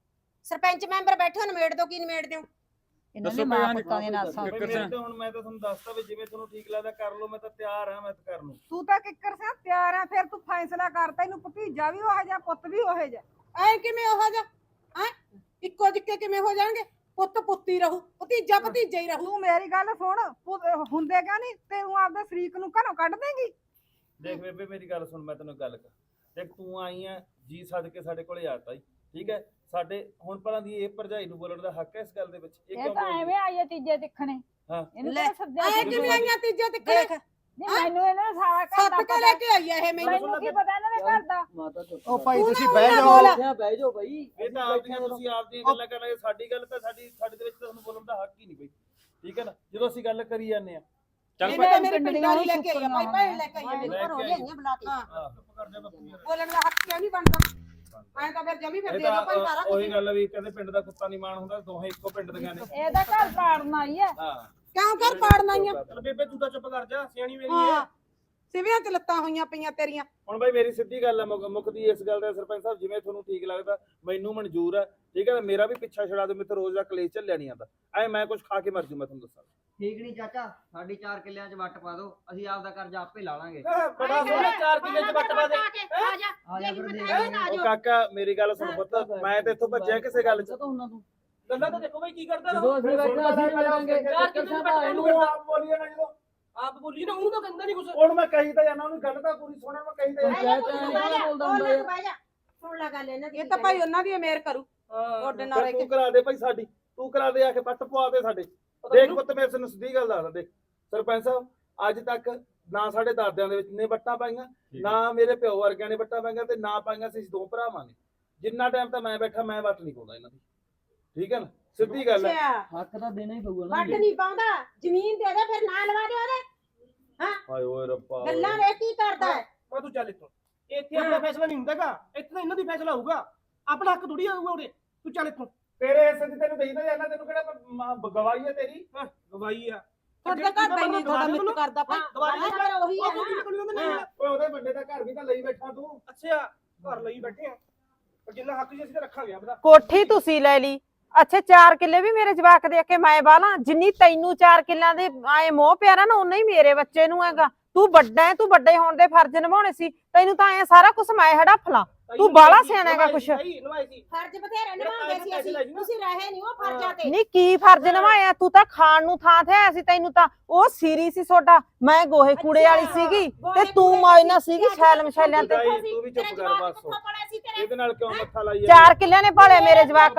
Speaker 8: ਸਰਪੰਚ ਮੈਂਬਰ ਬੈਠੇ ਹੋ, ਨਿਬੇੜ ਦੋ। ਕੀ ਨਿਬੇੜ ਦਿਓ?
Speaker 5: ਇਹਨਾਂ
Speaker 2: ਦੱਸੋ
Speaker 5: ਨੇ ਮਾਂ
Speaker 2: ਭਈ
Speaker 5: ਪੁੱਤਾਂ ਦੇ ਨਾਸਾਂ।
Speaker 6: ਬਈ ਮੇਰੇ ਤੇ ਹੁਣ ਮੈਂ ਤਾਂ ਤੁਹਾਨੂੰ ਦੱਸਤਾ ਵੀ ਜਿਵੇਂ ਤੁਹਾਨੂੰ ਠੀਕ ਲੱਗਦਾ ਕਰ ਲਓ, ਮੈਂ ਤਾਂ ਤਿਆਰ ਹਾਂ, ਮੈਂ ਤਾਂ ਕਰਨ ਨੂੰ।
Speaker 4: ਤੂੰ ਤਾਂ ਕਿੱਕਰ ਸਾਂ ਤਿਆਰ ਆ, ਫਿਰ ਤੂੰ ਫੈਸਲਾ ਕਰਤਾ। ਇਹਨੂੰ ਭਤੀਜਾ ਵੀ ਉਹ ਜਿਹਾ, ਪੁੱਤ ਵੀ ਉਹ ਜਿਹਾ।
Speaker 8: ਐ ਕਿਵੇਂ ਉਹ ਜਾ ਹੈ? ਇੱਕੋ ਜਿੱਕੇ ਕਿਵੇਂ ਹੋ ਜਾਣਗੇ? ਪੁੱਤ ਪੁੱਤੀ ਰਹੂ, ਭਤੀਜਾ ਭਤੀਜਾ ਹੀ ਰਹੂ।
Speaker 4: ਤੂੰ ਮੇਰੀ ਗੱਲ ਸੁਣ, ਪੁੱਤ ਹੁੰਦੇ ਕਿਆ ਨਹੀਂ? ਤੈਨੂੰ ਆਪਦੇ ਸ਼ਰੀਕ ਨੂੰ ਘਰੋਂ ਕੱਢ ਦੇਂਗੀ?
Speaker 6: ਦੇਖ ਬੇਬੇ ਮੇਰੀ ਗੱਲ ਸੁਣ, ਮੈਂ ਤੈਨੂੰ ਗੱਲ ਕਰ। ਦੇਖ ਤੂੰ ਆਈ ਆ ਜੀ ਸੱਦ ਕੇ ਸਾਡੇ ਕੋਲੇ ਆਤਾ ਹੀ, ਠੀਕ ਹੈ। ਸਾਡੇ ਹੁਣ ਭਲਾਂ ਦੀ ਇਹ ਭਰਜਾਈ ਨੂੰ ਬੋਲਣ ਦਾ ਹੱਕ ਹੈ ਇਸ ਗੱਲ ਦੇ ਵਿੱਚ? ਇਹ
Speaker 5: ਇਹ
Speaker 6: ਕਿਉਂ
Speaker 5: ਤਾਂ
Speaker 6: ਬੋਲਦੀ?
Speaker 5: ਐਵੇਂ ਆਈ ਆ ਤੀਜੇ ਦਿਖਣੇ।
Speaker 6: ਹਾਂ।
Speaker 5: ਇਹਨੂੰ
Speaker 8: ਲੈ,
Speaker 5: ਤਾਂ ਸੱਦਿਆ
Speaker 8: ਐ
Speaker 5: ਸੀ।
Speaker 8: ਕਿਵੇਂ ਆਈਆਂ ਤੀਜੇ ਤੇ ਦੇਖ
Speaker 5: ਨਹੀਂ ਮੈਨੂੰ ਇਹਨਾਂ ਦਾ ਸਾਰਾ ਘਰ ਦਾ
Speaker 8: ਸੱਤ ਕੇ
Speaker 5: ਪਤਾ।
Speaker 8: ਲੈ ਕੇ ਆਈ ਆ ਇਹ ਮੈਨੂੰ।
Speaker 5: ਮੈਨੂੰ ਕੀ ਪਤਾ ਇਹਨਾਂ ਦੇ ਘਰ ਦਾ?
Speaker 9: ਮਾਤਾ ਚੁੱਪ
Speaker 3: ਉਹ ਭਾਈ
Speaker 8: ਤੂੰ
Speaker 3: ਤੁਸੀਂ
Speaker 8: ਨਾ
Speaker 3: ਬਹਿ
Speaker 8: ਉਹਨਾਂ
Speaker 3: ਜਾਓ।
Speaker 8: ਬੋਲ।
Speaker 9: ਇੱਥੇ ਬਹਿ ਜਾਓ ਬਾਈ।
Speaker 6: ਇਹ ਤਾਂ ਆਪਦੀਆਂ ਤੁਸੀਂ ਆਪਦੀਆਂ ਗੱਲਾਂ ਕਰਨ ਲੱਗੇ, ਸਾਡੀ ਗੱਲ ਤਾਂ ਸਾਡੀ ਸਾਡੇ ਦੇ ਵਿੱਚ ਤਾਂ ਤੁਹਾਨੂੰ ਬੋਲਣ ਦਾ ਹੱਕ ਹੀ ਨਹੀਂ ਬਈ, ਠੀਕ ਹੈ ਨਾ। ਜਦੋਂ ਅਸੀਂ ਗੱਲ ਕਰੀ ਜਾਂਦੇ ਆ
Speaker 2: ਚੱਲ
Speaker 8: ਇਹ
Speaker 2: ਭਾਈ
Speaker 8: ਤਾਂ ਮੇਰੇ ਪਿੰਡ ਵਾਲੀ ਲੈ ਕੇ ਆਈ ਆ, ਭਾਈ ਭੈਣ ਲੈ ਕੇ ਆਈ ਆ, ਮੇਰੇ
Speaker 6: ਲੈ ਕੇ
Speaker 8: ਘਰੋਂ
Speaker 6: ਆਈ।
Speaker 8: ਲਿਆਈਆਂ ਬੁਲਾ ਕੇ।
Speaker 6: ਆਹ, ਚੁੱਪ ਕਰ ਜਾ ਬਾਪੂ ਯਾਰ।
Speaker 8: ਬੋਲਣ ਦਾ ਹੱਕ ਕਿਉਂ ਨਹੀਂ ਬਣਦਾ? ਐਂ ਤਾਂ ਫਿਰ ਜਮੀ ਫਿਰ
Speaker 6: ਇਹ
Speaker 8: ਦੇ ਦੋ ਭਾਈ
Speaker 6: ਤਾਂ
Speaker 8: ਸਾਰਾ
Speaker 6: ਅ, ਉਹੀ
Speaker 8: ਕੁਝ।
Speaker 6: ਗੱਲ ਆ ਵੀ ਕਹਿੰਦੇ ਪਿੰਡ ਦਾ ਕੁੱਤਾ ਨਹੀਂ ਮਾਣ ਹੁੰਦਾ, ਦੋਹੇ ਇੱਕੋ ਪਿੰਡ ਦੀਆਂ ਨੇ।
Speaker 5: ਇਹਦਾ ਘਰ ਪਾੜਨ ਆਈ ਆ।
Speaker 6: ਹਾਂ
Speaker 8: ਕਿਉਂ ਘਰ ਪਾੜਨ ਆਈਆਂ?
Speaker 7: ਚੱਲ ਬੇਬੇ ਤੂੰ ਤਾਂ ਚੁੱਪ ਕਰ ਜਾ, ਸਿਆਣੀ ਮੇਰੀ
Speaker 8: ਹਾਂ,
Speaker 7: ਹੈ।
Speaker 8: ਸਿਵਿਆਂ ਚ ਲੱਤਾਂ ਹੋਈਆਂ ਪਈਆਂ ਤੇਰੀਆਂ।
Speaker 6: ਹੁਣ ਬਾਈ ਮੇਰੀ ਸਿੱਧੀ ਗੱਲ ਆ, ਮੁੱਕ- ਮੁੱਕਦੀ ਇਸ ਗੱਲ ਦਾ ਸਰਪੰਚ ਸਾਹਿਬ, ਜਿਵੇਂ ਤੁਹਾਨੂੰ ਠੀਕ ਲੱਗਦਾ ਮੈਨੂੰ ਮਨਜ਼ੂਰ ਆ, ਠੀਕ ਹੈ। ਮੇਰਾ ਵੀ ਪਿੱਛਾ ਛੜਾ ਦਿਓ, ਮੇਰੇ ਰੋਜ਼ ਦਾ ਕਲੇਸ਼ ਚੱਲਿਆ ਨਹੀਂ ਆਂਦਾ। ਐ ਮੈਂ ਕੁਝ ਖਾ ਕੇ ਮਰ ਜੂ, ਮੈਂ ਤੁਹਾਨੂੰ ਦੱਸਾਂ।
Speaker 9: ਠੀਕ ਨਹੀਂ ਚਾਚਾ, ਸਾਡੀ ਚਾਰ ਕਿੱਲਿਆਂ 'ਚ ਵੱਟ ਪਾ ਦਿਓ, ਅਸੀਂ ਆਪਦਾ ਕਰਜ਼ਾ ਆਪੇ ਲਾ ਲਾਂਗੇ।
Speaker 7: ਬੜਾ ਸੋਹਣਾ ਚਾਰ ਕਿੱਲੇ ਚ ਵੱਟ ਪਾ ਦੇ।
Speaker 8: ਆ ਜਾ
Speaker 9: ਆ ਜਾ ਫਿਰ ਦੇਖ
Speaker 6: ਉਹ ਕਾਕਾ ਮੇਰੀ ਗੱਲ ਸੁਣ ਪੁੱਤ, ਮੈਂ ਤੇ ਇੱਥੋਂ ਭੱਜਿਆ ਕਿਸੇ ਗੱਲ 'ਚ।
Speaker 9: ਤਾਂ ਉਹਨਾਂ ਤੂੰ
Speaker 7: ਗੱਲਾਂ ਤਾਂ ਦੇਖੋ ਬਈ ਕੀ ਕਰਦਾ
Speaker 9: ਜਦੋਂ
Speaker 7: ਉਹ।
Speaker 9: ਅਸੀਂ ਬੈਠੇ ਅਸੀਂ ਵੀ ਲੜਾਂਗੇ।
Speaker 7: ਚਾਰ ਕਿੱਲੇ ਚ ਵੱਟ
Speaker 6: ਇਹਨੂੰ
Speaker 7: ਪਾ
Speaker 6: ਆਪ ਬੋਲੀਏ ਨਾ, ਜਦੋਂ
Speaker 7: ਆਪ ਬੋਲੀ ਨਾ, ਉਹਨੂੰ ਤਾਂ ਕਹਿੰਦਾ ਨਹੀਂ ਕੁਛ।
Speaker 6: ਹੁਣ ਮੈਂ ਕਹੀ ਤਾਂ ਜਾਣਾ, ਉਹਨੂੰ ਗੱਲ ਤਾਂ ਪੂਰੀ ਸੁਣਨ ਮੈਂ ਕਹੀ ਤਾਂ
Speaker 8: ਬਹਿ ਜਾ,
Speaker 9: ਪੰਚਾਇਤ
Speaker 8: ਤੂੰ
Speaker 9: ਐਂ
Speaker 8: ਬਹਿ ਜਾ,
Speaker 9: ਬੋਲਦਾ
Speaker 8: ਉਹ
Speaker 9: ਹੁੰਦਾ
Speaker 8: ਲੈ
Speaker 9: ਯਾਰ।
Speaker 8: ਬਹਿ ਜਾ। ਸੁਣ ਲੈ ਗੱਲ ਇਹਨਾਂ ਦੀ।
Speaker 4: ਇਹ ਤਾਂ ਭਾਈ ਉਹਨਾਂ ਦੀ ਮੇਰ ਕਰੂ।
Speaker 8: ਤੁਹਾਡੇ ਨਾਲ
Speaker 6: ਫਿਰ ਤੂੰ ਕਰਾ ਦੇ ਭਾਈ ਸਾਡੀ, ਤੂੰ ਕਰਾ ਦੇ ਆ ਕੇ ਪੱਟ ਪਵਾ ਦੇ ਸਾਡੇ। ਦੇਖ ਪੁੱਤ ਮੇਰੇ ਤੈਨੂੰ ਸਿੱਧੀ ਗੱਲ ਦੱਸਦਾ, ਦੇਖ ਸਰਪੰਚ ਸਾਹਿਬ, ਅੱਜ ਤੱਕ ਨਾ ਸਾਡੇ ਦਾਦਿਆਂ ਦੇ ਵਿੱਚ ਨੇ ਵੱਟਾਂ ਪਾਈਆਂ, ਨਾ ਮੇਰੇ ਪਿਓ ਵਰਗਿਆਂ ਨੇ ਵੱਟਾਂ ਪਾਈਆਂ, ਤੇ ਨਾ ਪਾਈਆਂ ਸੀ ਦੋ ਭਰਾਵਾਂ ਨੇ। ਜਿੰਨਾ ਟਾਈਮ ਤਾਂ ਮੈਂ ਬੈਠਾ ਮੈਂ ਵੱਟ ਨਹੀਂ ਪਾਉਂਦਾ ਇਹਨਾਂ ਦੀ, ਠੀਕ ਹੈ ਨਾ। ਸਿੱਧੀ ਗੱਲ ਹੈ।
Speaker 8: ਅੱਛਾ,
Speaker 9: ਹੱਕ ਤਾਂ ਦੇਣਾ ਹੀ ਪਊਗਾ ਨਾ।
Speaker 8: ਵੱਟ ਨਹੀਂ ਪਾਉਂਦਾ, ਜ਼ਮੀਨ ਦੇ ਦੇ, ਫਿਰ ਨਾ ਲਵਾ ਦੇ ਉਹਦੇ।
Speaker 6: ਹਾਏ ਓਏ ਰੱਬਾ ਓਏ।
Speaker 8: ਗੱਲਾਂ ਵੇ ਕੀ ਕਰਦਾ ਹੈ?
Speaker 7: ਮੈਂ ਤੂੰ ਚੱਲ ਇੱਥੋਂ, ਇੱਥੇ ਆਪਣਾ ਫੈਸਲਾ ਨਹੀਂ ਹੁੰਦਾਗਾ, ਇੱਥੇ ਤਾਂ ਇਹਨਾਂ ਦੀ ਫੈਸਲਾ ਹੋਊਗਾ। ਆਪਣਾ ਹੱਕ ਥੋੜੀ ਆਊਗਾ ਉਰੇ। ਤੂੰ ਚੱਲ ਇੱਥੋਂ।
Speaker 6: ਤੇਰੇ ਹਿੱਸੇ ਦੀ ਤੈਨੂੰ ਦੇਈਦਾ ਜਾਂਦਾ, ਤੈਨੂੰ ਕਿਹੜਾ ਮ- ਗਵਾਹੀ ਹੈ ਤੇਰੀ?
Speaker 7: ਗਵਾਈ ਆ
Speaker 8: ਤੁਹਾਡੇ ਘਰ ਦਾ ਹੀ ਨਹੀਂ ਤੁਹਾਡਾ ਮਿੱਤ ਕਰਦਾ ਭਾਈ
Speaker 7: ਦੁਬਾਰਾ
Speaker 8: ਘਰ ਉਹੀ ਹੈ ਨਾ
Speaker 6: ਓਏ ਉਹਦੇ ਬੰਦੇ ਦਾ ਘਰ ਵੀ ਤਾਂ ਲਈ ਬੈਠਾ ਤੂੰ।
Speaker 7: ਅੱਛਾ ਘਰ ਲਈ ਬੈਠੇ ਆ ਪਰ ਜਿੰਨਾ ਹੱਕ ਜੀ ਅਸੀਂ ਤਾਂ ਰੱਖਾਂਗੇ ਆਪਦਾ।
Speaker 1: ਕੋਠੀ ਤੁਸੀਂ ਲੈ ਲਈ, ਅੱਛਾ ਚਾਰ ਕਿੱਲੇ ਵੀ ਮੇਰੇ ਜਵਾਕ ਦੇ ਕੇ ਮੈਂ ਬਾਲਾਂ, ਜਿੰਨੀ ਤੈਨੂੰ ਚਾਰ ਕਿੱਲਿਆਂ ਦੇ ਆਏ ਮੋਹ ਪਿਆਰਾ ਨਾ ਉਨਾ ਹੀ ਮੇਰੇ ਬੱਚੇ ਨੂੰ ਹੈਗਾ। ਤੂੰ ਵੱਡਾ ਹੈ, ਤੂੰ ਵੱਡੇ ਹੋਣ ਦੇ ਫਰਜ਼ ਨਿਭਾਉਣੇ ਸੀ, ਤੈਨੂੰ ਤਾਂ ਐ ਸਾਰਾ ਕੁਝ ਮੈਂ ਹੜੱਫ ਲਾਂ। ਤੂੰ ਬਾਹਲਾ ਸਿਆਣਾ ਹੈਗਾ ਕੁਛ।
Speaker 8: ਫਰਜ਼ ਬਥੇਰੇ ਨਿਭਾਉਂਦੇ ਸੀ ਅਸੀਂ, ਤੁਸੀਂ ਰਹੇ ਨਹੀਂ ਉਹ ਫਰਜ਼ਾਂ ਤੇ।
Speaker 1: ਨਹੀਂ ਕੀ ਫਰਜ਼ ਨਿਭਾਇਆ ਤੂੰ? ਤਾਂ ਖਾਣ ਨੂੰ ਥਾਂ ਤੇ ਆਇਆ ਸੀ, ਤੈਨੂੰ ਤਾਂ ਉਹ ਸੀਰੀ ਸੀ ਛੋਟਾ, ਮੈਂ ਗੋਹੇ ਕੂੜੇ ਵਾਲੀ ਸੀਗੀ ਤੇ ਤੂੰ ਮੌਜਨਾ ਸੀਗੀ ਛੈਲ ਮਛੈਲਿਆਂ ਤੇ।
Speaker 6: ਤੂੰ ਵੀ ਚੁੱਪ ਕਰ ਬਸ, ਇਹਦੇ ਨਾਲ ਕਿਉਂ ਮੱਥਾ ਲਾਈ
Speaker 1: ਚਾਰ ਕਿੱਲਿਆਂ ਨੇ ਭਾਲੇ ਮੇਰੇ ਜਵਾਕ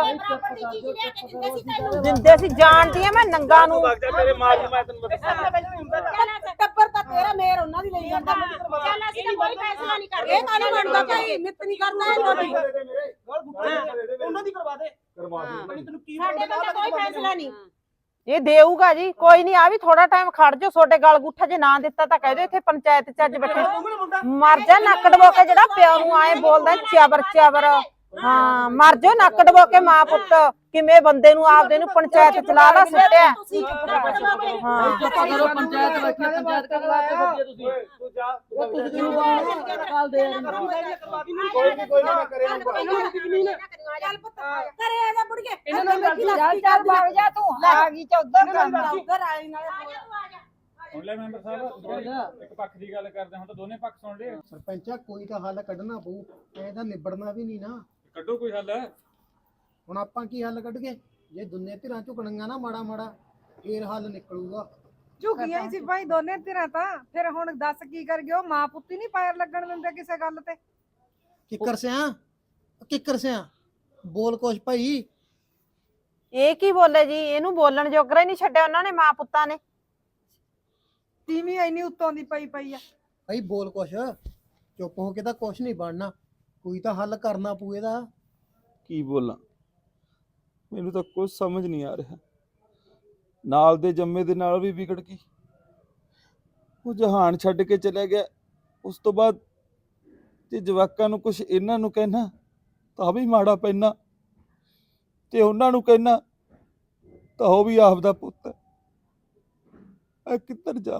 Speaker 1: ਦਿੰਦੇ ਸੀ, ਜਾਣਦੀ ਆ ਮੈਂ ਨੰਗਾ ਨੂੰ।
Speaker 6: ਮੇਰੇ ਮਾਰ ਨੂੰ ਮੈਂ ਤੈਨੂੰ
Speaker 8: ਟੱਬਰ ਤਾਂ ਤੇਰਾ ਮੇਰ ਉਹਨਾਂ ਦੀ ਲਈ ਜਾਂਦਾ। ਚੱਲ ਅਸੀਂ ਤਾਂ ਕੋਈ ਫੈਸਲਾ ਨਹੀਂ ਕਰਦੇ। ਇਹ ਕਾਹਨੂੰ ਬਣਦਾ ਭਾਈ, ਮਿੱਤ ਨਹੀਂ ਕਰਦਾ ਇਹ ਤੁਹਾਡੀ।
Speaker 7: ਉਹਨਾਂ ਦੀ ਕਰਵਾ ਦੇ।
Speaker 6: ਕਰਵਾ ਦੇ।
Speaker 7: ਤੈਨੂੰ ਕੀ
Speaker 8: ਸਾਡੇ ਕੋਲ ਤਾਂ ਕੋਈ ਫੈਸਲਾ ਨਹੀਂ।
Speaker 1: ਇਹ ਦੇਊਗਾ ਜੀ, ਕੋਈ ਨਹੀਂ, ਆ ਵੀ ਥੋੜਾ ਟਾਈਮ ਖੜ ਜਾਓ। ਤੁਹਾਡੇ ਗਲ ਗੁੱਠਾ ਜੇ ਨਾ ਦਿੱਤਾ ਤਾਂ ਕਹਿ ਦਿਓ ਇੱਥੇ ਪੰਚਾਇਤ ਚ ਅੱਜ ਬੈਠੇ ਮਰ ਜਾ ਨੱਕ ਡਬੋ ਕੇ, ਜਿਹੜਾ ਪਿਓ ਨੂੰ ਆਏ ਬੋਲਦਾ ਚਾਬਰ ਚਾਬਰ। ਹਾਂ ਮਰ ਜਾ ਨੱਕ ਡਬੋ ਕੇ, ਮਾਂ ਪੁੱਤ ਕਿਵੇਂ ਬੰਦੇ ਨੂੰ ਆਪਦੇ ਨੂੰ ਪੰਚਾਇਤ ਚਲਾ ਲਾ ਸੁੱਟਿਆ।
Speaker 8: ਤੁਸੀਂ ਚੁੱਪ ਕਰੋ
Speaker 1: ਹਾਂ
Speaker 9: ਚੁੱਪ ਕਰੋ, ਪੰਚਾਇਤ ਬੈਠੀ ਆ, ਪੰਚਾਇਤ ਕਰ ਵਾਸਤੇ ਤੁਸੀਂ।
Speaker 6: ਤੂੰ ਜਾ
Speaker 9: ਤੁਸੀਂ ਕਿਉਂ ਕਾਲ ਦੇ
Speaker 6: ਕੋਈ ਨਹੀਂ ਕੋਈ ਨਾ ਕਰੇ
Speaker 8: ਚੱਲ ਪੁੱਤ ਘਰੇ ਆ ਜਾ ਬੁੜੀਏ।
Speaker 7: ਇਹਨਾਂ ਨਾਲ ਗੱਲ
Speaker 5: ਚੱਲ ਚੱਲ ਵਗ ਜਾ ਤੂੰ, ਆ ਗਈ ਚੌਧਰ ਕਰਨਾ।
Speaker 8: ਉੱਧਰ ਆਈ ਨਾਲੇ ਆ ਜਾ ਤੂੰ ਆ ਜਾ।
Speaker 2: ਸੁਣ ਲੈ ਮੈਂਬਰ ਸਾਹਿਬ, ਇੱਕ ਪੱਖ ਦੀ ਗੱਲ ਕਰਦੇ ਹੁਣ ਤਾਂ ਦੋਨੇ ਪੱਖ ਸੁਣ ਲਏ।
Speaker 3: ਸਰਪੰਚਾ ਕੋਈ ਤਾਂ ਹੱਲ ਕੱਢਣਾ ਪਊ, ਐ ਤਾਂ ਨਿਬੜਨਾ ਵੀ ਨਹੀਂ ਨਾ।
Speaker 2: ਕੱਢੋ ਕੋਈ ਹੱਲ।
Speaker 3: ਹੁਣ ਆਪਾਂ ਕੀ ਹੱਲ ਕੱਢ ਗਏ? ਜੇ ਦੁਨੀਆ ਧਿਰਾਂ ਝੁਕਣੀਆਂ ਨਾ ਮਾੜਾ ਮਾੜਾ, ਫੇਰ ਹੱਲ ਨਿਕਲੂਗਾ।
Speaker 4: ਝੁਕੀਆਂ ਹੀ ਸੀ ਭਾਈ ਦੋਨੇ ਧਿਰਾਂ ਤਾਂ। ਫਿਰ ਹੁਣ ਦੱਸ ਕੀ ਕਰ ਗਏ? ਉਹ ਮਾਂ ਪੁੱਤੀ ਨਹੀਂ ਪੈਰ ਲੱਗਣ ਦਿੰਦੇ ਕਿਸੇ ਗੱਲ ਤੇ।
Speaker 3: ਕਿੱਕਰ ਸਿਆ ਕਿੱਕਰ ਸਿਆ ਬੋਲ ਕੁਛ ਭਾਈ।
Speaker 1: ਇਹ ਕੀ ਬੋਲੇ ਜੀ? ਇਹਨੂੰ ਬੋਲਣ ਜੋਗਰਾ ਹੀ ਨਹੀਂ ਛੱਡਿਆ ਉਹਨਾਂ ਨੇ, ਮਾਂ ਪੁੱਤਾਂ ਨੇ।
Speaker 4: ਤੀਵੀਂ ਇੰਨੀ ਉੱਤੋਂ ਦੀ ਪਈ ਪਈ ਆ।
Speaker 3: ਭਾਈ ਬੋਲ ਕੁਛ, ਚੁੱਪ ਹੋ ਕੇ ਤਾਂ ਕੁਛ ਨਹੀਂ ਬਣਨਾ, ਕੋਈ ਤਾਂ ਹੱਲ ਕਰਨਾ ਪਊ ਇਹਦਾ।
Speaker 6: ਕੀ ਬੋਲਾਂ, ਮੈਨੂੰ ਤਾਂ ਕੁਝ ਸਮਝ ਨਹੀਂ ਆ ਰਿਹਾ। ਨਾਲ ਦੇ ਜੰਮੇ ਦੇ ਨਾਲ ਵੀ ਵਿਗੜ ਗਈ, ਉਹ ਜਹਾਨ ਛੱਡ ਕੇ ਚਲਾ ਗਿਆ। ਉਸ ਤੋਂ ਬਾਅਦ ਜੇ ਜਵਾਕਾਂ ਨੂੰ ਕੁਝ ਇਹਨਾਂ ਨੂੰ ਕਹਿਣਾ ਤਾਂ ਵੀ ਮਾੜਾ ਪੈਣਾ, ਤੇ ਉਹਨਾਂ ਨੂੰ ਕਹਿਣਾ ਤਾਂ ਉਹ ਵੀ ਆਪ ਦਾ ਪੁੱਤ। ਮੈਂ ਕਿੱਧਰ ਜਾਵਾਂ,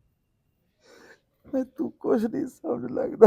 Speaker 6: ਮੈਂ ਤੂੰ ਕੁਝ ਨਹੀਂ ਸਮਝ ਲੱਗਦਾ।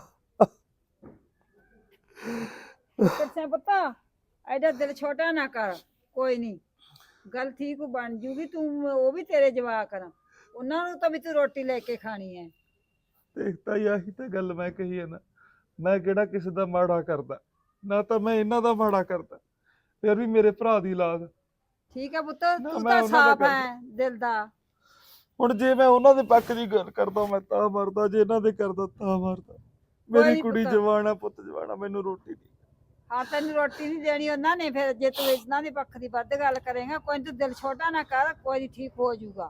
Speaker 5: ਕਿਰਸੇ ਪੁੱਤ ਐਡਾ ਦਿਲ ਛੋਟਾ ਨਾ ਕਰ, ਕੋਈ ਨਹੀਂ ਗੱਲ ਠੀਕ ਬਣ ਜੂਗੀ। ਤੂੰ ਉਹ ਵੀ ਤੇਰੇ ਜਵਾਕ ਆ, ਉਹਨਾਂ ਨੂੰ ਤਾਂ ਵੀ ਤੂੰ ਰੋਟੀ ਲੈ ਕੇ ਖਾਣੀ ਹੈ।
Speaker 6: ਦੇਖਤਾ ਹੀ ਆਹੀ ਤਾਂ ਗੱਲ ਮੈਂ ਕਹੀ ਹੈ ਨਾ, ਮੈਂ ਕਿਹੜਾ ਕਿਸੇ ਦਾ ਮਾੜਾ ਕਰਦਾ, ਨਾ ਤਾਂ ਮੈਂ ਇਹਨਾਂ ਦਾ ਮਾੜਾ ਕਰਦਾ, ਫਿਰ ਵੀ ਮੇਰੇ ਭਰਾ ਦੀ ਔਲਾਦ।
Speaker 5: ਠੀਕ ਹੈ ਪੁੱਤ,
Speaker 6: ਨਾ,
Speaker 5: ਤੂੰ
Speaker 6: ਮੈਂ
Speaker 5: ਤਾਂ
Speaker 6: ਉਹਨਾਂ ਦਾ
Speaker 5: ਸਾਫ
Speaker 6: ਕਰਦਾ।
Speaker 5: ਹੈ ਦਿਲ ਦਾ।
Speaker 6: ਹੁਣ ਜੇ ਮੈਂ ਉਹਨਾਂ ਦੇ ਪੱਖ ਦੀ ਗੱਲ ਕਰਦਾ ਮੈਂ ਤਾਂ ਮਰਦਾ, ਜੇ ਇਹਨਾਂ ਦੇ ਕਰਦਾ ਤਾਂ ਮਰਦਾ। ਮੇਰੀ
Speaker 5: ਨੀ
Speaker 6: ਕੁੜੀ
Speaker 5: ਪੁੱਤ।
Speaker 6: ਜਵਾਨ ਆ, ਪੁੱਤ ਜਵਾਨ ਆ, ਮੈਨੂੰ ਰੋਟੀ ਨਹੀਂ।
Speaker 5: ਹਾਂ ਤੈਨੂੰ ਰੋਟੀ ਨਹੀਂ ਦੇਣੀ ਉਹਨਾਂ ਨੇ, ਫਿਰ ਜੇ ਤੂੰ ਇਹਨਾਂ ਦੇ ਪੱਖ ਦੀ ਵੱਧ ਗੱਲ ਕਰੇਗਾ, ਕੋਈ ਨੀ, ਤੂੰ ਦਿਲ ਛੋਟਾ ਨਾ ਕਰ, ਕੋਈ ਨੀ, ਠੀਕ ਹੋ ਜਾਊਗਾ।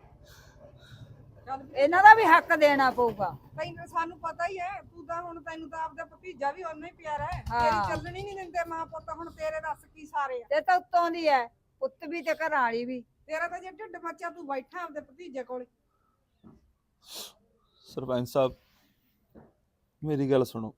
Speaker 5: ਇਹਨਾਂ ਦਾ ਵੀ ਹੱਕ ਦੇਣਾ ਪਊਗਾ।
Speaker 4: ਤੈਨੂੰ ਸਾਨੂੰ ਪਤਾ ਹੀ ਹੈ, ਤੂੰ ਤਾਂ ਹੁਣ ਤੈਨੂੰ ਤਾਂ ਆਪਦਾ ਭਤੀਜਾ ਵੀ ਓਨਾ ਹੀ ਪਿਆਰਾ ਹੈ।
Speaker 5: ਹਾਂ।
Speaker 4: ਤੇਰੀ ਚੱਲਣੀ ਨਹੀਂ ਦਿੰਦੇ ਮਾਂ ਪੁੱਤ। ਹੁਣ ਤੇਰੇ ਦੱਸ ਕੀ ਸਾਰੇ ਆ?
Speaker 5: ਤੇ ਤਾਂ ਉੱਤੋਂ ਦੀ ਹੈ, ਪੁੱਤ ਵੀ ਤੇ ਘਰ ਵਾਲੀ ਵੀ।
Speaker 4: ਤੇਰਾ ਤਾਂ ਜੇ ਢਿੱਡ ਬੱਚਾ, ਤੂੰ ਬੈਠਾ ਆਪਦੇ ਭਤੀਜੇ ਕੋਲ।
Speaker 6: ਸਰਪੰਚ ਸਾਹਿਬ ਮੇਰੀ ਗੱਲ ਸੁਣੋ,